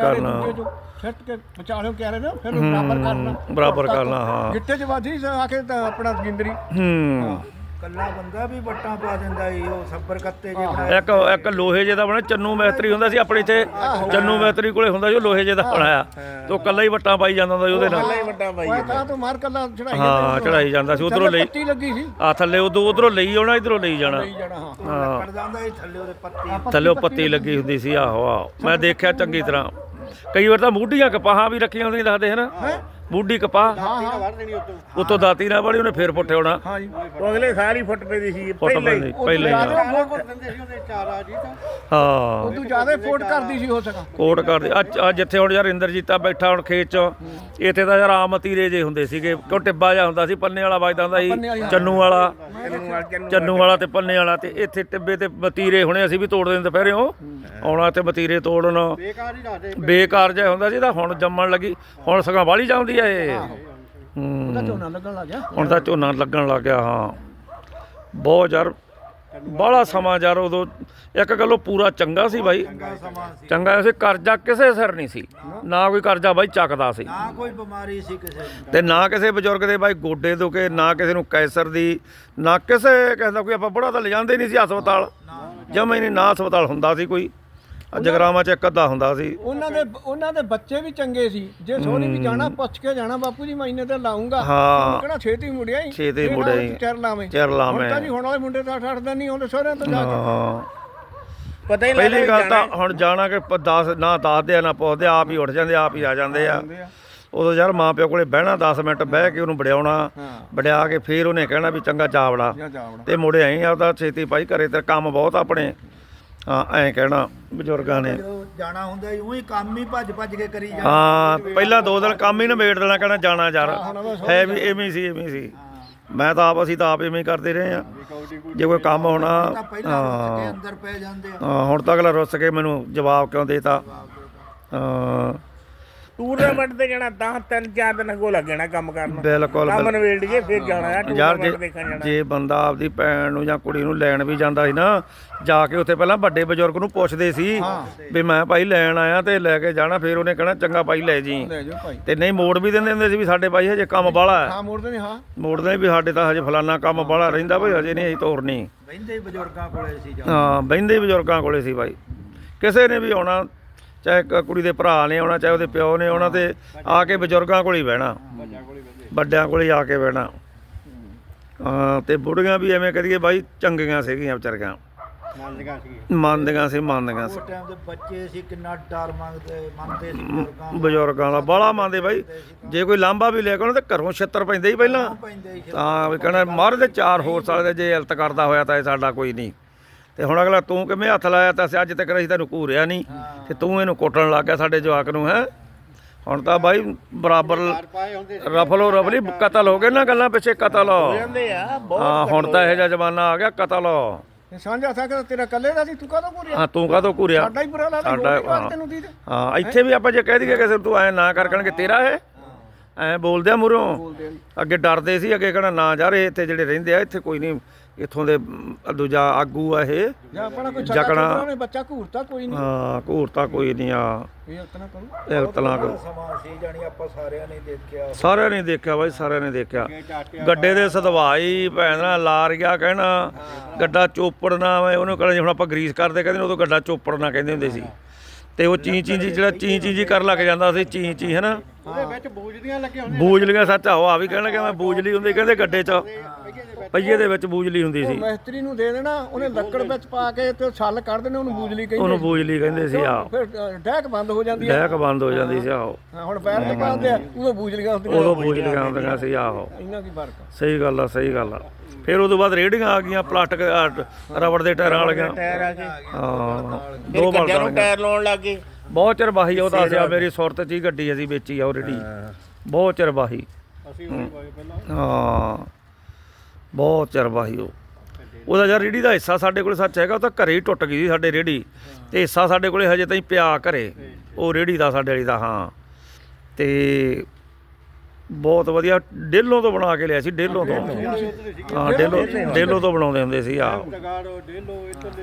[SPEAKER 3] ਸੱਟ ਕੇ ਵਿਚਾਲਿਓ ਕਿਆਰੇ ਨਾ, ਫਿਰ ਉਹਨੂੰ ਬਰਾਬਰ ਕਰਨਾ।
[SPEAKER 1] ਹਾਂ
[SPEAKER 3] ਗਿੱਟੇ ਚ ਵਾਜੀ ਆ ਕੇ ਤਾਂ ਆਪਣਾ ਜਿੰਦਰੀ।
[SPEAKER 2] ਕੱਲਾ ਬੰਦਾ ਵੀ ਵੱਟਾਂ ਪਾ ਦਿੰਦਾ ਈ, ਉਹ ਸੱਬਰ ਕੱਤੇ ਜੇ
[SPEAKER 1] ਇੱਕ ਲੋਹੇ ਜੇ ਦਾ ਬਣਿਆ, ਚੰਨੂ ਮੈਤਰੀ ਹੁੰਦਾ ਸੀ ਆਪਣੇ ਇੱਥੇ, ਚੰਨੂ ਮੈਤਰੀ ਕੋਲੇ ਹੁੰਦਾ ਸੀ ਉਹ ਲੋਹੇ ਜੇ ਦਾ ਬਣਾਇਆ, ਤੇ ਉਹ ਕੱਲਾ ਹੀ ਵੱਟਾਂ ਪਾਈ ਜਾਂਦਾ ਹੁੰਦਾ ਸੀ ਉਹਦੇ ਨਾਲ।
[SPEAKER 2] ਵੱਟਾਂ ਪਾਈ
[SPEAKER 3] ਤਾਂ ਤੋਂ ਮਾਰ ਕੱਲਾ ਚੜਾਈ।
[SPEAKER 1] ਹਾਂ ਚੜਾਈ ਜਾਂਦਾ ਸੀ, ਉਧਰੋਂ ਲਈ
[SPEAKER 3] ਪੱਤੀ ਲੱਗੀ ਸੀ
[SPEAKER 1] ਆ ਥੱਲੇ, ਉਧਰੋਂ ਲਈ ਆਉਣਾ, ਇਧਰੋਂ ਲਈ ਜਾਣਾ।
[SPEAKER 2] ਹਾਂ ਕੱਢ ਜਾਂਦਾ ਸੀ ਥੱਲੇ ਉਹਦੇ ਪੱਤੀ,
[SPEAKER 1] ਥੱਲੇ ਪੱਤੀ ਲੱਗੀ ਹੁੰਦੀ ਸੀ। ਆਹੋ ਆਹੋ ਮੈਂ ਦੇਖਿਆ ਚੰਗੀ ਤਰ੍ਹਾਂ। ਕਈ ਵਾਰ ਤਾਂ ਮੂਢੀਆਂ ਕਪਾਹਾਂ ਵੀ ਰੱਖੀਆਂ ਹੁੰਦੀਆਂ ਦੱਸਦੇ ਹਨ, ਮੂਢੀ ਕਪਾਹ ਉਤੋਂ ਦਾਤੀ ਨਾਲ ਬੜੀ ਉਹਨੇ ਫੇਰ ਪੁੱਟੇ ਹੋਣਾ।
[SPEAKER 2] ਉਹ ਅਗਲੇ ਸਾਲ ਹੀ ਫੁੱਟ ਪੈਂਦੀ ਸੀ
[SPEAKER 1] ਪਹਿਲਾਂ ਹੀ। ਹਾਂ
[SPEAKER 3] ਉਦੋਂ ਜ਼ਿਆਦਾ ਫੋਟ ਕਰਦੀ ਸੀ ਹੋ ਸਕਾ,
[SPEAKER 1] ਕੋਟ ਕਰਦੇ। ਅੱਜ ਜਿੱਥੇ ਹੁਣ ਯਾਰ ਇੰਦਰਜੀਤਾ ਬੈਠਾ ਹੁਣ ਖੇਤ ਚ, ਇੱਥੇ ਤਾਂ ਯਾਰ ਆਮ ਮਤੀਰੇ ਜੇ ਹੁੰਦੇ ਸੀਗੇ, ਕਿਉਂ ਟਿੱਬਾ ਜਿਹਾ ਹੁੰਦਾ ਸੀ, ਪੰਨੇ ਵਾਲਾ ਵੱਜਦਾ ਹੁੰਦਾ ਸੀ, ਚੰਨੂ ਵਾਲਾ ਤੇ ਪੰਨੇ ਵਾਲਾ, ਤੇ ਇੱਥੇ ਟਿੱਬੇ ਤੇ ਮਤੀਰੇ ਹੁਣੇ ਅਸੀਂ ਵੀ ਤੋੜਦੇ ਹੁੰਦੇ ਦੁਪਹਿਰਿਓਂ ਆਉਣਾ ਤੇ ਮਤੀਰੇ ਤੋੜਨ, ਬੇਕਾਰ ਜਿਹਾ ਹੁੰਦਾ ਸੀ। ਤਾਂ ਹੁਣ ਜੰਮਣ ਲੱਗੀ, ਹੁਣ ਸਗੋਂ ਵਾਲੀ ਜਾਂਦੀ ਆ ਇਹ।
[SPEAKER 3] ਝੋਨਾ ਲੱਗਣ ਲੱਗ ਗਿਆ,
[SPEAKER 1] ਹੁਣ ਤਾਂ ਝੋਨਾ ਲੱਗਣ ਲੱਗ ਗਿਆ। ਹਾਂ ਬਹੁਤ ਯਾਰ ਬਾਹਲਾ ਸਮਾਂ ਯਾਰ ਉਦੋਂ ਇੱਕ ਗੱਲੋਂ ਪੂਰਾ ਚੰਗਾ ਸੀ ਬਾਈ, ਚੰਗਾ ਸੀ। ਕਰਜ਼ਾ ਕਿਸੇ ਸਿਰ ਨਹੀਂ ਸੀ, ਨਾ ਕੋਈ ਕਰਜ਼ਾ ਬਾਈ ਚੱਕਦਾ ਸੀ,
[SPEAKER 2] ਨਾ ਕੋਈ ਬਿਮਾਰੀ ਸੀ ਕਿਸੇ ਨੂੰ,
[SPEAKER 1] ਤੇ ਨਾ ਕਿਸੇ ਬਜ਼ੁਰਗ ਦੇ ਬਾਈ ਗੋਡੇ ਦੁਖੇ, ਨਾ ਕਿਸੇ ਨੂੰ ਕੈਂਸਰ ਦੀ, ਨਾ ਕਿਸੇ ਦਾ ਕੋਈ। ਆਪਾਂ ਬੁੜਾ ਤਾਂ ਲਿਜਾਂਦੇ ਨਹੀਂ ਸੀ ਹਸਪਤਾਲ, ਜਮਾਂ ਹੀ ਨਹੀਂ, ਨਾ ਹਸਪਤਾਲ ਹੁੰਦਾ ਸੀ ਕੋਈ। ਜਗਰਾਵਾਂ ਚ ਇੱਕ ਅੱਧਾ ਹੁੰਦਾ ਸੀ।
[SPEAKER 3] ਉਹਨਾਂ ਦੇ ਬੱਚੇ ਵੀ ਚੰਗੇ ਸੀ, ਜੇ ਸੋਹਣੀ ਵੀ ਜਾਣਾ ਪੁੱਛ ਕੇ ਜਾਣਾ, ਬਾਪੂ ਜੀ ਮਹੀਨੇ ਤੇ ਲਾਉਂਗਾ,
[SPEAKER 1] ਹਾਂ
[SPEAKER 3] ਕਿਹੜਾ ਛੇਤੀ ਮੁੜਿਆ ਹੀ,
[SPEAKER 1] ਛੇਤੀ ਮੁੜਿਆ ਹੀ,
[SPEAKER 3] ਚਿਰ ਲਾਵੇਂ। ਹੁਣ ਹੁਣ ਵਾਲੇ ਮੁੰਡੇ ਤਾਂ ਛੱਡਦਾ ਨਹੀਂ, ਆਉਂਦੇ ਸਹੁਰਿਆਂ ਤੋਂ ਜਾ ਕੇ
[SPEAKER 2] ਪਤਾ ਹੀ
[SPEAKER 1] ਪਹਿਲੀ ਗੱਲ ਤਾਂ ਹੁਣ ਜਾਣਾ ਕਿ 10 ਨਾ ਦੱਸਦੇ ਆ ਨਾ ਪੁੱਛਦੇ, ਆਪ ਹੀ ਉੱਠ ਜਾਂਦੇ, ਆਪ ਹੀ ਆ ਜਾਂਦੇ ਆ। ਉਦੋਂ ਯਾਰ ਮਾਂ ਪਿਓ ਕੋਲੇ ਬਹਿਣਾ 10 ਮਿੰਟ ਬਹਿ ਕੇ ਉਹਨੂੰ ਵੜਿਆਉਣਾ, ਵੜਿਆ ਕੇ ਫੇਰ ਉਹਨੇ ਕਹਿਣਾ ਵੀ ਚੰਗਾ ਚਾਵੜਾ, ਤੇ ਮੁੜੇ ਆਈ ਆਪਦਾ ਛੇਤੀ ਭਾਈ ਘਰੇ ਤੇ ਕੰਮ ਬਹੁਤ ਆਪਣੇ। ਹਾਂ ਐਂ ਕਹਿਣਾ ਬਜ਼ੁਰਗਾਂ ਨੇ,
[SPEAKER 2] ਜਾਣਾ ਹੁੰਦਾ ਉਹੀ ਕੰਮ ਹੀ ਭੱਜ ਕੇ ਕਰੀ ਜਾਂਦੇ।
[SPEAKER 1] ਹਾਂ ਪਹਿਲਾਂ 2 ਦਿਨ ਕੰਮ ਹੀ ਨਿਬੇੜ ਦੇਣਾ, ਕਹਿਣਾ ਜਾਣਾ ਯਾਰ ਹੈ ਵੀ ਐਵੇਂ ਸੀ। ਮੈਂ ਤਾਂ ਆਪ, ਅਸੀਂ ਤਾਂ ਆਪ ਐਵੇਂ ਹੀ ਕਰਦੇ ਰਹੇ ਆ। ਜੇ ਕੋਈ ਕੰਮ ਹੋਣਾ
[SPEAKER 2] ਅੰਦਰ ਪੈ ਜਾਂਦੇ ਆ।
[SPEAKER 1] ਹਾਂ ਹੁਣ ਤਾਂ ਅਗਲਾ ਰੁੱਸ ਕੇ ਮੈਨੂੰ ਜਵਾਬ ਕਿਉਂ ਦੇਤਾ। ਹਾਂ
[SPEAKER 2] ਟੂਰਨਾਮੈਂਟ ਤੇ ਜਾਣਾ ਤਾਂ 3-4 ਦਿਨ ਅੱਗੋਂ ਲੱਗਣਾ ਕੰਮ ਕਰਨ ਨੂੰ,
[SPEAKER 1] ਬਿਲਕੁਲ
[SPEAKER 2] ਕੰਮ ਨਵੇੜ ਕੇ ਫਿਰ ਜਾਣਾ
[SPEAKER 1] ਯਾਰ। ਜੇ ਬੰਦਾ ਆਪਦੀ ਭੈਣ ਨੂੰ ਜਾਂ ਕੁੜੀ ਨੂੰ ਲੈਣ ਵੀ ਜਾਂਦਾ ਸੀ ਨਾ, ਜਾ ਕੇ ਉੱਥੇ ਪਹਿਲਾਂ ਵੱਡੇ ਬਜ਼ੁਰਗ ਨੂੰ ਪੁੱਛਦੇ ਸੀ ਵੀ ਮੈਂ ਭਾਈ ਲੈਣ ਆਇਆ, ਤੇ ਲੈ ਕੇ ਜਾਣਾ। ਫਿਰ ਉਹਨੇ ਕਹਿਣਾ ਚੰਗਾ ਭਾਈ ਲੈ ਜੀ, ਤੇ ਨਹੀਂ ਮੋੜ ਵੀ ਦਿੰਦੇ ਹੁੰਦੇ ਸੀ ਵੀ ਸਾਡੇ ਭਾਈ ਹਜੇ ਕੰਮ ਬਾਹਲਾ ਹੈ, ਮੋੜਦੇ ਵੀ ਸਾਡੇ ਤਾਂ ਹਜੇ ਫਲਾਨਾ ਕੰਮ ਬਾਹਲਾ ਰਹਿੰਦਾ ਭਾਈ, ਹਜੇ ਨਹੀਂ ਅਸੀਂ ਤੋਰਨੀ।
[SPEAKER 2] ਬਹਿੰਦੇ ਬਜ਼ੁਰਗਾਂ ਕੋਲੇ ਸੀ,
[SPEAKER 1] ਹਾਂ ਬਹਿੰਦੇ ਬਜ਼ੁਰਗਾਂ ਕੋਲੇ ਸੀ ਭਾਈ। ਕਿਸੇ ਨੇ ਵੀ ਆਉਣਾ, ਚਾਹੇ ਕੁੜੀ ਦੇ ਭਰਾ ਨੇ ਆਉਣਾ, ਚਾਹੇ ਉਹਦੇ ਪਿਓ ਨੇ ਆਉਣਾ, ਤੇ ਆ ਕੇ ਬਜ਼ੁਰਗਾਂ ਕੋਲ ਹੀ ਬਹਿਣਾ, ਵੱਡਿਆਂ ਕੋਲ ਹੀ ਆ ਕੇ ਬਹਿਣਾ। ਹਾਂ ਤੇ ਬੁੜੀਆਂ ਵੀ ਐਵੇਂ ਕਰੀਏ ਬਾਈ ਚੰਗੀਆਂ ਸੀਗੀਆਂ ਵਿਚਾਰੀਆਂ, ਮੰਨਦੀਆਂ ਸੀ।
[SPEAKER 2] ਉਸ ਟਾਈਮ ਦੇ ਬੱਚੇ ਸੀ, ਕਿੰਨਾ ਡਰ ਮੰਨਦੇ ਸੀ
[SPEAKER 1] ਬਜ਼ੁਰਗਾਂ ਦਾ, ਬਾਹਲਾ ਮੰਨਦੇ ਬਾਈ। ਜੇ ਕੋਈ ਲਾਂਭਾ ਵੀ ਲੈ ਕੇ ਆਉਣਾ ਤੇ ਘਰੋਂ ਛਿੱਤਰ ਪੈਂਦੇ ਹੀ ਪਹਿਲਾਂ। ਹਾਂ ਵੀ ਕਹਿਣਾ ਮਰ ਦੇ 4 ਹੋਰ ਸਾਲ ਦੇ, ਜੇ ਇਲਤ ਕਰਦਾ ਹੋਇਆ ਤਾਂ ਇਹ ਸਾਡਾ ਕੋਈ ਨਹੀਂ। ਤੇ ਹੁਣ ਅਗਲਾ ਤੂੰ ਕਿਵੇਂ ਹੱਥ ਲਾਇਆ, ਤਾਂ ਅੱਜ ਤੱਕ ਅਸੀਂ ਤੈਨੂੰ ਘੂਰਿਆ ਨਹੀਂ, ਤੇ ਤੂੰ ਇਹਨੂੰ ਕੁੱਟਣ ਲੱਗ ਗਿਆ ਸਾਡੇ ਜਵਾਕ ਨੂੰ। ਹੈ ਹੁਣ ਤਾਂ ਬਾਈ ਬਰਾਬਰ ਰਫਲੋ ਰਫਲੀ ਕਤਲ ਹੋ ਗਏ ਨਾ, ਗੱਲਾਂ ਪਿੱਛੇ ਕਤਲ। ਹਾਂ ਹੁਣ ਤਾਂ ਇਹੋ ਜਿਹਾ ਜ਼ਮਾਨਾ ਆ ਗਿਆ, ਕਤਲ।
[SPEAKER 3] ਸਾਂਝਾ ਥਾ ਕਿ ਤੇਰਾ ਕੱਲੇ ਦਾ ਸੀ, ਤੂੰ ਕਾਹਦੋਂ ਘੂਰਿਆ?
[SPEAKER 1] ਹਾਂ ਤੂੰ ਕਾਹਤੋਂ ਘੂਰਿਆ?
[SPEAKER 3] ਸਾਡਾ ਹੀ ਬੁਰਾ ਲੱਗਦਾ,
[SPEAKER 1] ਸਾਡਾ,
[SPEAKER 3] ਹੋਰ
[SPEAKER 1] ਹਾਂ।
[SPEAKER 3] ਤੈਨੂੰ ਦੀ
[SPEAKER 1] ਹਾਂ ਇੱਥੇ ਵੀ ਆਪਾਂ ਜੇ ਕਹਿ ਦਈਏ ਕਿਸੇ ਨੂੰ ਤੂੰ ਐ ਨਾ ਕਰ ਕਹਿਣਗੇ ਤੇਰਾ ਹੈ, ਐ ਬੋਲਦੇ ਆ ਮੂਹਰੋਂ। ਅੱਗੇ ਡਰਦੇ ਸੀ, ਅੱਗੇ ਕਹਿਣਾ ਨਾ ਯਾਰ ਇਹ ਇੱਥੇ ਜਿਹੜੇ ਰਹਿੰਦੇ ਆ ਇੱਥੇ ਕੋਈ ਨਹੀਂ, ਇੱਥੋਂ ਦੇ ਦੂਜਾ ਆਗੂ ਆ ਇਹ
[SPEAKER 3] ਜਾਂ ਆਪਣਾ ਕੋਈ
[SPEAKER 1] ਜਕਣਾ।
[SPEAKER 3] ਉਹਨੇ ਬੱਚਾ ਘੂਰਤਾ ਕੋਈ ਨਹੀਂ,
[SPEAKER 1] ਹਾਂ ਘੂਰਤਾ ਕੋਈ ਨਹੀਂ ਆ,
[SPEAKER 3] ਇਹ ਉਤਨਾ ਕਰੂ।
[SPEAKER 1] ਇਹ ਤਲਾ ਕਰੋ।
[SPEAKER 2] ਸਮਾਂ ਸੀ ਜਾਣੀ ਆਪਾਂ ਸਾਰਿਆਂ ਨੇ ਦੇਖਿਆ।
[SPEAKER 1] ਸਾਰਿਆਂ ਨੇ ਦੇਖਿਆ ਬਾਈ, ਸਾਰਿਆਂ ਨੇ ਦੇਖਿਆ। ਗੱਡੇ ਦੇ ਸਦਵਾਈ ਭੈਣ ਨਾਲ ਲਾਰ ਗਿਆ ਕਹਿਣਾ ਗੱਡਾ ਚੋਪੜਨਾ ਵਾ, ਉਹਨੂੰ ਕਹਿੰਦੇ ਹੁਣ ਆਪਾਂ ਗਰੀਸ ਕਰਦੇ ਕਹਿੰਦੇ ਉਦੋਂ ਗੱਡਾ ਚੋਪੜਨਾ ਕਹਿੰਦੇ ਹੁੰਦੇ ਸੀ। ਤੇ ਉਹ ਚੀ ਚੀ ਜੀ ਜਿਹੜਾ ਚੀ ਚੀ ਜੀ ਕਰ ਲੱਗ ਜਾਂਦਾ ਸੀ, ਚੀ ਚੀ ਹੈ ਨਾ,
[SPEAKER 4] ਉਹਦੇ ਵਿੱਚ ਬੂਝਦੀਆਂ ਲੱਗੀਆਂ ਹੁੰਦੀਆਂ
[SPEAKER 1] ਬੂਜਲੀਆਂ ਸੱਚ ਆਹੋ ਆ ਵੀ ਕਹਿਣ ਲੱਗਾ ਮੈਂ ਬੂਜਲੀ ਹੁੰਦੀ ਕਹਿੰਦੇ ਗੱਡੇ 'ਚ ਪਹੀਏ ਦੇ ਵਿੱਚ ਬੂਜਲੀ ਹੁੰਦੀ ਸੀ,
[SPEAKER 3] ਮਿਸਤਰੀ ਨੂੰ ਦੇ ਦੇਣਾ, ਉਹਨੇ ਲੱਕੜ ਵਿੱਚ ਪਾ ਕੇ ਤੇ ਛੱਲ ਕੱਢ ਦੇਣੇ, ਉਹਨੂੰ ਬੂਜਲੀ ਕਹਿੰਦੇ।
[SPEAKER 1] ਉਹਨੂੰ ਬੂਜਲੀ ਕਹਿੰਦੇ ਸੀ। ਆਹੋ
[SPEAKER 3] ਫਿਰ ਡੈਕ ਬੰਦ ਹੋ ਜਾਂਦੀ ਹੈ,
[SPEAKER 1] ਡੈਕ ਬੰਦ ਹੋ ਜਾਂਦੀ ਸੀ। ਆਹੋ
[SPEAKER 3] ਹਾਂ ਹੁਣ ਪੈਰ ਤੇ ਪਾਉਂਦੇ ਆ, ਉਦੋਂ ਬੂਜਲੀਆਂ ਹੁੰਦੀਆਂ।
[SPEAKER 1] ਉਦੋਂ ਬੂਜਲੀਆਂ ਹੁੰਦੀਆਂ ਸੀ। ਆਹੋ
[SPEAKER 3] ਇੰਨਾ ਕੀ ਫਰਕ ਆ।
[SPEAKER 1] ਸਹੀ ਗੱਲ ਆ, ਸਹੀ ਗੱਲ ਆ। ਫਿਰ ਉਦੋਂ ਬਾਅਦ ਰੇਹੜੀਆਂ ਆ ਗਈਆਂ, ਪਲਾਸਟਿਕ ਰਬੜ ਦੇ ਟਾਇਰਾਂ ਵਾਲੀਆਂ।
[SPEAKER 2] ਟਾਇਰ ਆ ਕੇ
[SPEAKER 1] ਹਾਂ
[SPEAKER 2] ਫਿਰ
[SPEAKER 1] ਦੋ
[SPEAKER 2] ਗੱਡਿਆਂ ਨੂੰ
[SPEAKER 1] ਬਲਦਾਂ
[SPEAKER 2] ਟਾਇਰ ਲਾਉਣ ਲੱਗ ਗਏ।
[SPEAKER 1] ਬਹੁਤ ਚਿਰ ਬਾਹੀ ਉਹ ਦੱਸਿਆ, ਮੇਰੀ ਸੁਰਤ 'ਚ ਹੀ ਗੱਡੀ ਅਸੀਂ ਵੇਚੀ ਆ ਆਲਰੇਡੀ, ਬਹੁਤ ਚਿਰ ਬਾਹੀ।
[SPEAKER 4] ਅਸੀਂ ਉਹੀ ਪਾਏ ਪਹਿਲਾਂ।
[SPEAKER 1] ਹਾਂ ਬਹੁਤ ਚਿਰ ਬਾਹੀ ਉਹਦਾ ਯਾਰ ਰੇਹੜੀ ਦਾ ਹਿੱਸਾ ਸਾਡੇ ਕੋਲ ਸੱਚ ਹੈਗਾ, ਉਹ ਤਾਂ ਘਰੇ ਹੀ ਟੁੱਟ ਗਈ ਸੀ ਸਾਡੇ ਰੇਹੜੀ, ਤੇ ਹਿੱਸਾ ਸਾਡੇ ਕੋਲੇ ਹਜੇ ਤਾਈਂ ਪਿਆ ਘਰੇ, ਉਹ ਰੇਹੜੀ ਦਾ ਸਾਡੇ ਵਾਲੀ ਦਾ। ਹਾਂ ਤੇ ਬਹੁਤ ਵਧੀਆ ਡੇਲੋਂ ਤੋਂ ਬਣਾ ਕੇ ਲਿਆ ਸੀ, ਡੇਲੋਂ ਤੋਂ। ਹਾਂ ਡੇਲੋਂ ਤੋਂ ਬਣਾਉਂਦੇ ਹੁੰਦੇ ਸੀ। ਆਹ
[SPEAKER 4] ਜਗਾੜੋ ਡੇਲੋ ਇੱਧਰ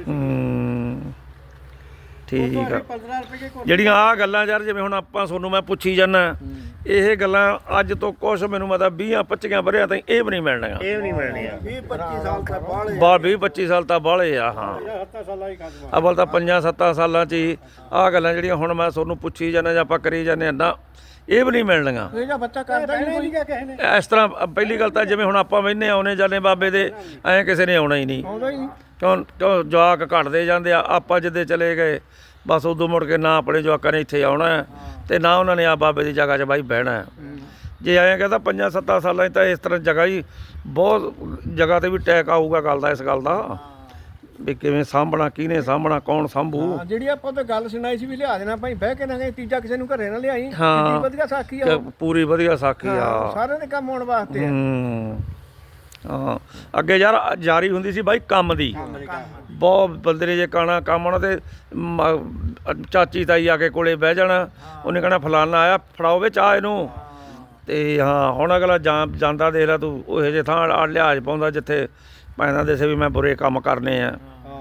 [SPEAKER 1] ਠੀਕ ਆ।
[SPEAKER 4] 15 ਰੁਪਏ ਕੋਲ
[SPEAKER 1] ਜਿਹੜੀਆਂ ਆਹ ਗੱਲਾਂ ਯਾਰ ਜਿਵੇਂ ਹੁਣ ਆਪਾਂ ਤੁਹਾਨੂੰ ਮੈਂ ਪੁੱਛੀ ਜਾਂਦਾ, ਇਹ ਗੱਲਾਂ ਅੱਜ ਤੋਂ ਕੁਛ ਮੈਨੂੰ ਮਤਲਬ 20-25 ਵਰ੍ਹਿਆਂ ਤਾਈਂ ਇਹ ਵੀ ਨਹੀਂ ਮਿਲਣੀਆਂ।
[SPEAKER 2] ਇਹ ਵੀ ਨਹੀਂ ਮਿਲਣੀਆਂ।
[SPEAKER 4] 20-25 ਸਾਲ ਤੱਕ ਬਾਹਲੇ
[SPEAKER 1] 20-25 ਸਾਲ ਤਾਂ ਬਾਹਲੇ ਆ। ਹਾਂ
[SPEAKER 4] 7 ਸਾਲਾਂ ਹੀ ਖਤਮ।
[SPEAKER 1] ਅਵਲ ਤਾਂ 5-7 ਸਾਲਾਂ 'ਚ ਹੀ ਆਹ ਗੱਲਾਂ ਜਿਹੜੀਆਂ ਹੁਣ ਮੈਂ ਤੁਹਾਨੂੰ ਪੁੱਛੀ ਜਾਂਦਾ ਜਾਂ ਆਪਾਂ ਕਰੀ ਜਾਂਦੇ ਨਾ, ਇਹ ਵੀ ਨਹੀਂ ਮਿਲਣੀਆਂ।
[SPEAKER 3] ਇਹ ਜਾਂ ਬੱਚਾ ਕਰਦਾ ਹੀ ਨਹੀਂ ਕੋਈ,
[SPEAKER 4] ਕਿਸੇ ਨੇ
[SPEAKER 1] ਇਸ ਤਰ੍ਹਾਂ ਪਹਿਲੀ ਗੱਲ ਤਾਂ ਜਿਵੇਂ ਹੁਣ ਆਪਾਂ ਵਹਿੰਦੇ ਆਉਨੇ ਜਾਂਦੇ ਬਾਬੇ ਦੇ, ਐਂ ਕਿਸੇ ਨੇ ਆਉਣਾ ਹੀ ਨਹੀਂ।
[SPEAKER 3] ਆਉਂਦਾ ਹੀ ਨਹੀਂ।
[SPEAKER 1] ਕਿਉਂ ਜਵਾਕ ਘਟਦੇ ਜਾਂਦੇ ਆ, ਆਪਾਂ ਜਿੱਦੇ ਚਲੇ ਗਏ ਬਸ ਉਦੋਂ ਮੁੜ ਕੇ ਨਾ ਆਪਣੇ ਜਵਾਕਾਂ ਨੇ ਇੱਥੇ ਆਉਣਾ ਤੇ ਨਾ ਉਹਨਾਂ ਨੇ ਆ ਬਾਬੇ ਦੀ ਜਗ੍ਹਾ 'ਚ ਬਾਈ ਬਹਿਣਾ। ਜੇ ਐਂ ਕਹਿੰਦਾ 5-7 ਸਾਲਾਂ 'ਚ ਤਾਂ ਇਸ ਤਰ੍ਹਾਂ ਜਗ੍ਹਾ ਹੀ ਬਹੁਤ ਜਗ੍ਹਾ ਤੇ ਵੀ ਟੈਕ ਆਊਗਾ ਗੱਲ ਦਾ, ਇਸ ਗੱਲ ਦਾ ਵੀ ਕਿਵੇਂ ਸਾਂਭਣਾ, ਕਿਹਨੇ ਸਾਂਭਣਾ, ਕੌਣ ਸਾਂਭੂ।
[SPEAKER 3] ਹਾਂ ਜਿਹੜੀ ਆਪਾਂ ਤਾਂ ਗੱਲ ਸੁਣਾਈ ਸੀ ਵੀ ਲਿਆ ਦੇਣਾ ਭਾਈ ਬਹਿ ਕੇ ਨਾ ਗਏ, ਤੀਜਾ ਕਿਸੇ ਨੂੰ ਘਰੇ ਨਾ ਲਿਆਈ।
[SPEAKER 1] ਹਾਂ।
[SPEAKER 3] ਕਿੰਨੀ ਵਧੀਆ ਸਾਖੀ ਆ ਉਹ।
[SPEAKER 1] ਪੂਰੀ ਵਧੀਆ ਸਾਖੀ ਆ।
[SPEAKER 3] ਸਾਰਿਆਂ ਦੇ ਕੰਮ ਆਉਣ ਵਾਸਤੇ ਆ।
[SPEAKER 1] ਹਾਂ ਅੱਗੇ ਯਾਰ ਜਾਰੀ ਹੁੰਦੀ ਸੀ ਬਾਈ ਕੰਮ ਦੀ, ਬਹੁਤ ਬੰਦੇ ਨੇ ਜੇ ਕਾਣਾ ਕੰਮ ਆਉਣਾ ਤੇ ਚਾਚੀ ਤਾਈ ਆ ਕੇ ਕੋਲੇ ਬਹਿ ਜਾਣਾ, ਉਹਨੇ ਕਹਿਣਾ ਫਲਾਨਾ ਆਇਆ ਫੜਾਓ ਵੇ ਚਾਹ ਇਹਨੂੰ। ਤੇ ਹਾਂ ਹੁਣ ਅਗਲਾ ਜਾਂਦਾ ਦੇਖ ਲੈ ਤੂੰ, ਉਹ ਜਿਹੇ ਥਾਂ ਲਿਹਾਜ਼ ਪਾਉਂਦਾ ਜਿੱਥੇ ਪੈਂਦਾ ਦੇਸੇ ਵੀ ਮੈਂ ਬੁਰੇ ਕੰਮ ਕਰਨੇ ਆ,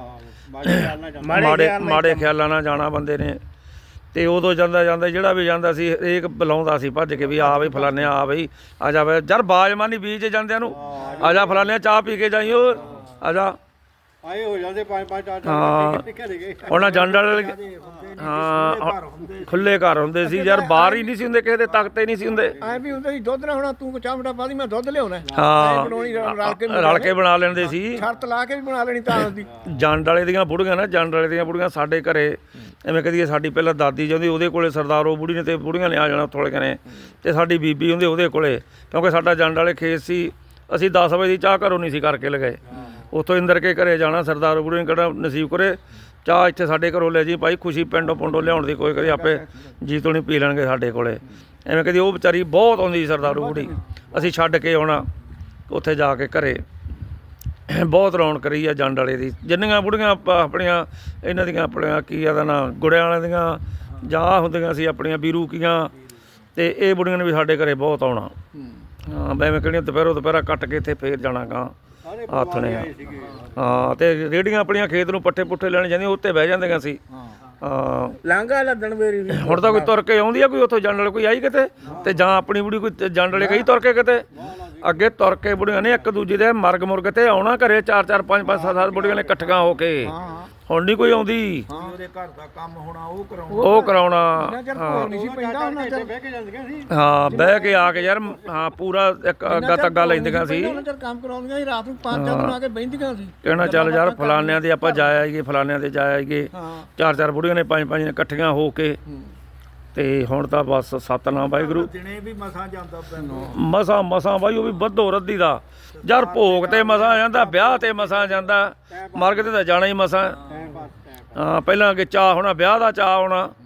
[SPEAKER 1] ਮਾੜੇ ਖਿਆਲਾਂ ਨਾਲ ਜਾਣਾ ਬੰਦੇ ਨੇ। ਤੇ ਉਦੋਂ ਜਾਂਦਾ ਜਿਹੜਾ ਵੀ ਜਾਂਦਾ ਸੀ ਹਰੇਕ ਬੁਲਾਉਂਦਾ ਸੀ ਭੱਜ ਕੇ ਵੀ ਆ ਬਈ ਫਲਾਨੇ ਆ ਬਈ ਆ ਜਾ ਬਈ ਯਾਰ ਬਾਜਮਾਨੀ ਬੀਜ ਜਾਂਦਿਆਂ ਨੂੰ, ਆ ਜਾ ਫਲਾਨੇ ਚਾਹ ਪੀ ਕੇ ਜਾਈ, ਉਹ ਆ ਜਾ
[SPEAKER 4] ਆਏ ਹੋ ਜਾਂਦੇ 5-5
[SPEAKER 1] ਹਾਂ।
[SPEAKER 4] 4 ਘਰੇ ਗਏ।
[SPEAKER 1] ਉਹਨਾਂ ਜੰਡ ਵਾਲੇ ਹਾਂ ਖੁੱਲੇ ਘਰ ਹੁੰਦੇ ਸੀ ਯਾਰ, ਬਾਹਰ ਹੀ ਨਹੀਂ ਸੀ ਹੁੰਦੇ, ਕਿਸੇ ਦੇ ਤਖਤੇ ਨਹੀਂ ਸੀ ਹੁੰਦੇ।
[SPEAKER 3] ਐ ਵੀ ਹੁੰਦਾ ਸੀ ਦੁੱਧ ਨਾ ਹੋਣਾ, ਤੂੰ ਚਾਹ ਬਟਾ ਪਾ ਦੀ ਮੈਂ ਦੁੱਧ ਲਿਆਉਣਾ।
[SPEAKER 1] ਹਾਂ
[SPEAKER 3] ਬਣਾਉਣੀ
[SPEAKER 1] ਰਲ ਕੇ ਬਣਾ ਲੈਂਦੇ ਸੀ,
[SPEAKER 3] ਸ਼ਰਤ ਲਾ ਕੇ ਵੀ ਬਣਾ ਲੈਣੀ ਤਾਂ ਹੁੰਦੀ।
[SPEAKER 1] ਜੰਡ ਵਾਲੇ ਦੀਆਂ ਬੁੜੀਆਂ ਨਾ, ਜੰਡ ਵਾਲੇ ਦੀਆਂ ਬੁੜੀਆਂ ਸਾਡੇ ਘਰੇ ਐਵੇਂ ਕਹਦੀ ਸਾਡੀ ਪਹਿਲਾਂ ਦਾਦੀ ਜਾਂਦੀ, ਉਹਦੇ ਕੋਲੇ ਸਰਦਾਰ ਉਹ ਬੁੜੀ ਨੇ ਤੇ ਬੁੜੀਆਂ ਨੇ ਆ ਜਾਣਾ ਥੋੜੇ ਕਨੇ, ਤੇ ਸਾਡੀ ਬੀਬੀ ਹੁੰਦੀ ਉਹਦੇ ਕੋਲੇ, ਕਿਉਂਕਿ ਸਾਡਾ ਜੰਡ ਵਾਲੇ ਖੇਤ ਸੀ। ਅਸੀਂ 10 ਵਜੇ ਦੀ ਚਾਹ ਘਰੋਂ ਨਹੀਂ ਸੀ ਕਰਕੇ ਲਗਾਏ, ਉੱਥੋਂ ਇੰਦਰ ਕੇ ਘਰੇ ਜਾਣਾ, ਸਰਦਾਰ ਬੁੜੀ ਨੇ ਕਿਹੜਾ ਨਸੀਬ ਕਰੇ ਚਾਹ ਇੱਥੇ ਸਾਡੇ ਘਰੋਂ ਲੈ ਜੀ ਭਾਈ, ਖੁਸ਼ੀ ਪਿੰਡੋਂ ਲਿਆਉਣ ਦੀ ਕੋਈ ਕਰੀ ਆਪੇ ਜੀਤੋਂ ਨਹੀਂ ਪੀ ਲੈਣਗੇ ਸਾਡੇ ਕੋਲੇ। ਐਵੇਂ ਕਹਦੀ ਉਹ ਵਿਚਾਰੀ ਬਹੁਤ ਆਉਂਦੀ ਸੀ ਸਰਦਾਰੂ ਬੁੜੀ, ਅਸੀਂ ਛੱਡ ਕੇ ਆਉਣਾ ਉੱਥੇ ਜਾ ਕੇ ਘਰੇ। ਬਹੁਤ ਰੌਣਕ ਕਰੀ ਆ ਜੰਡ ਵਾਲੇ ਦੀ, ਜਿੰਨੀਆਂ ਬੁੜੀਆਂ ਆਪਣੀਆਂ ਇਹਨਾਂ ਦੀਆਂ ਆਪਣੀਆਂ ਕੀ ਇਹਦਾ ਨਾਂ ਗੁੜਿਆਂ ਵਾਲਿਆਂ ਦੀਆਂ ਜਾਂ ਹੁੰਦੀਆਂ ਸੀ ਆਪਣੀਆਂ ਬੀਰੂਕੀਆਂ, ਤੇ ਇਹ ਬੁੜੀਆਂ ਨੇ ਵੀ ਸਾਡੇ ਘਰੇ ਬਹੁਤ ਆਉਣਾ। ਹਾਂ ਐਵੇਂ ਕਿਹੜੀਆਂ ਦੁਪਹਿਰਾ ਕੱਟ ਕੇ ਇੱਥੇ ਫੇਰ ਜਾਣਾ ਗਾ ਆਥਣੇ। ਹਾਂ ਤੇ ਰੇਹੜੀਆਂ ਆਪਣੀਆਂ ਖੇਤ ਨੂੰ ਪੱਠੇ ਪੁੱਠੇ ਲੈਣ ਜਾਂਦੀਆਂ, ਉੱਤੇ ਬਹਿ ਜਾਂਦੀਆਂ ਸੀ। ਹਾਂ
[SPEAKER 2] ਲਾਂਘਾ ਲੱਦਣ ਵੇਰੀ ਵੀ
[SPEAKER 1] ਹੁਣ ਤਾਂ ਕੋਈ ਤੁਰ ਕੇ ਆਉਂਦੀ ਆ, ਕੋਈ ਉੱਥੋਂ ਜੰਡ ਵਾਲੇ ਕੋਈ ਆਈ ਕਿਤੇ, ਤੇ ਜਾਂ ਆਪਣੀ ਬੁੜੀ ਕੋਈ ਜੰਡ ਵਾਲੇ ਗਈ ਤੁਰ ਕੇ ਕਿਤੇ। ਅੱਗੇ ਤੁਰ ਕੇ ਬੁੜੀਆਂ ਨੇ ਇੱਕ ਦੂਜੇ ਦੇ ਮੁਰਗ ਤੇ ਆਉਣਾ ਘਰੇ, 4-4 5-5 7 ਬੁੜੀਆਂ ਨੇ ਇਕੱਠੀਆਂ ਹੋ ਕੇ। ਹੁਣ ਨਹੀਂ ਕੋਈ ਆਉਂਦੀ,
[SPEAKER 2] ਉਹਦੇ ਘਰ ਦਾ ਕੰਮ ਹੋਣਾ
[SPEAKER 1] ਉਹ ਕਰਾਉਣਾ।
[SPEAKER 3] ਨਹੀਂ ਸੀ ਪੈਂਦਾ ਉਹਨਾਂ ਚਿਰ
[SPEAKER 4] ਬਹਿ ਕੇ ਜਾਂਦੀਆਂ ਸੀ।
[SPEAKER 1] ਹਾਂ ਬਹਿ ਕੇ ਆ ਕੇ ਯਾਰ ਹਾਂ ਪੂਰਾ ਇੱਕ ਅੱਗਾ ਤੱਗਾ ਲੈਂਦੀਆਂ ਸੀ।
[SPEAKER 3] ਉਹਨਾਂ ਚਿਰ ਕੰਮ ਕਰਾਉਂਦੀਆਂ ਸੀ, ਰਾਤ ਨੂੰ 5-4 ਦਿਨ ਆ ਕੇ ਬਹਿੰਦੀਆਂ ਸੀ।
[SPEAKER 1] ਕਹਿਣਾ ਚੱਲ ਯਾਰ ਫਲਾਨਿਆਂ ਦੇ ਆਪਾਂ ਜਾ ਆਈਏ, ਫਲਾਨਿਆਂ ਦੇ ਜਾ ਆਈਏ। 4-4 ਬੁੜੀਆਂ ਨੇ 5-5 ਨੇ ਇਕੱਠੀਆਂ ਹੋ ਕੇ। ਤੇ ਹੁਣ ਤਾਂ ਬਸ ਸਤਨਾਮ ਵਾਹਿਗੁਰੂ,
[SPEAKER 2] ਦਿਨੇ ਵੀ ਮਸਾਂ ਜਾਂਦਾ
[SPEAKER 1] ਮਸਾਂ ਬਾਈ, ਉਹ ਵੀ ਵੱਧੋ ਰੱਦੀ ਦਾ ਯਾਰ, ਭੋਗ ਤੇ ਮਸਾਂ ਜਾਂਦਾ, ਵਿਆਹ ਤੇ ਮਸਾਂ ਜਾਂਦਾ, ਮਰਗ ਤੇ ਤਾਂ ਜਾਣਾ ਹੀ ਮਸਾਂ। ਹਾਂ ਪਹਿਲਾਂ ਅੱਗੇ ਚਾਹ ਹੋਣਾ, ਵਿਆਹ ਦਾ ਚਾਹ ਹੋਣਾ,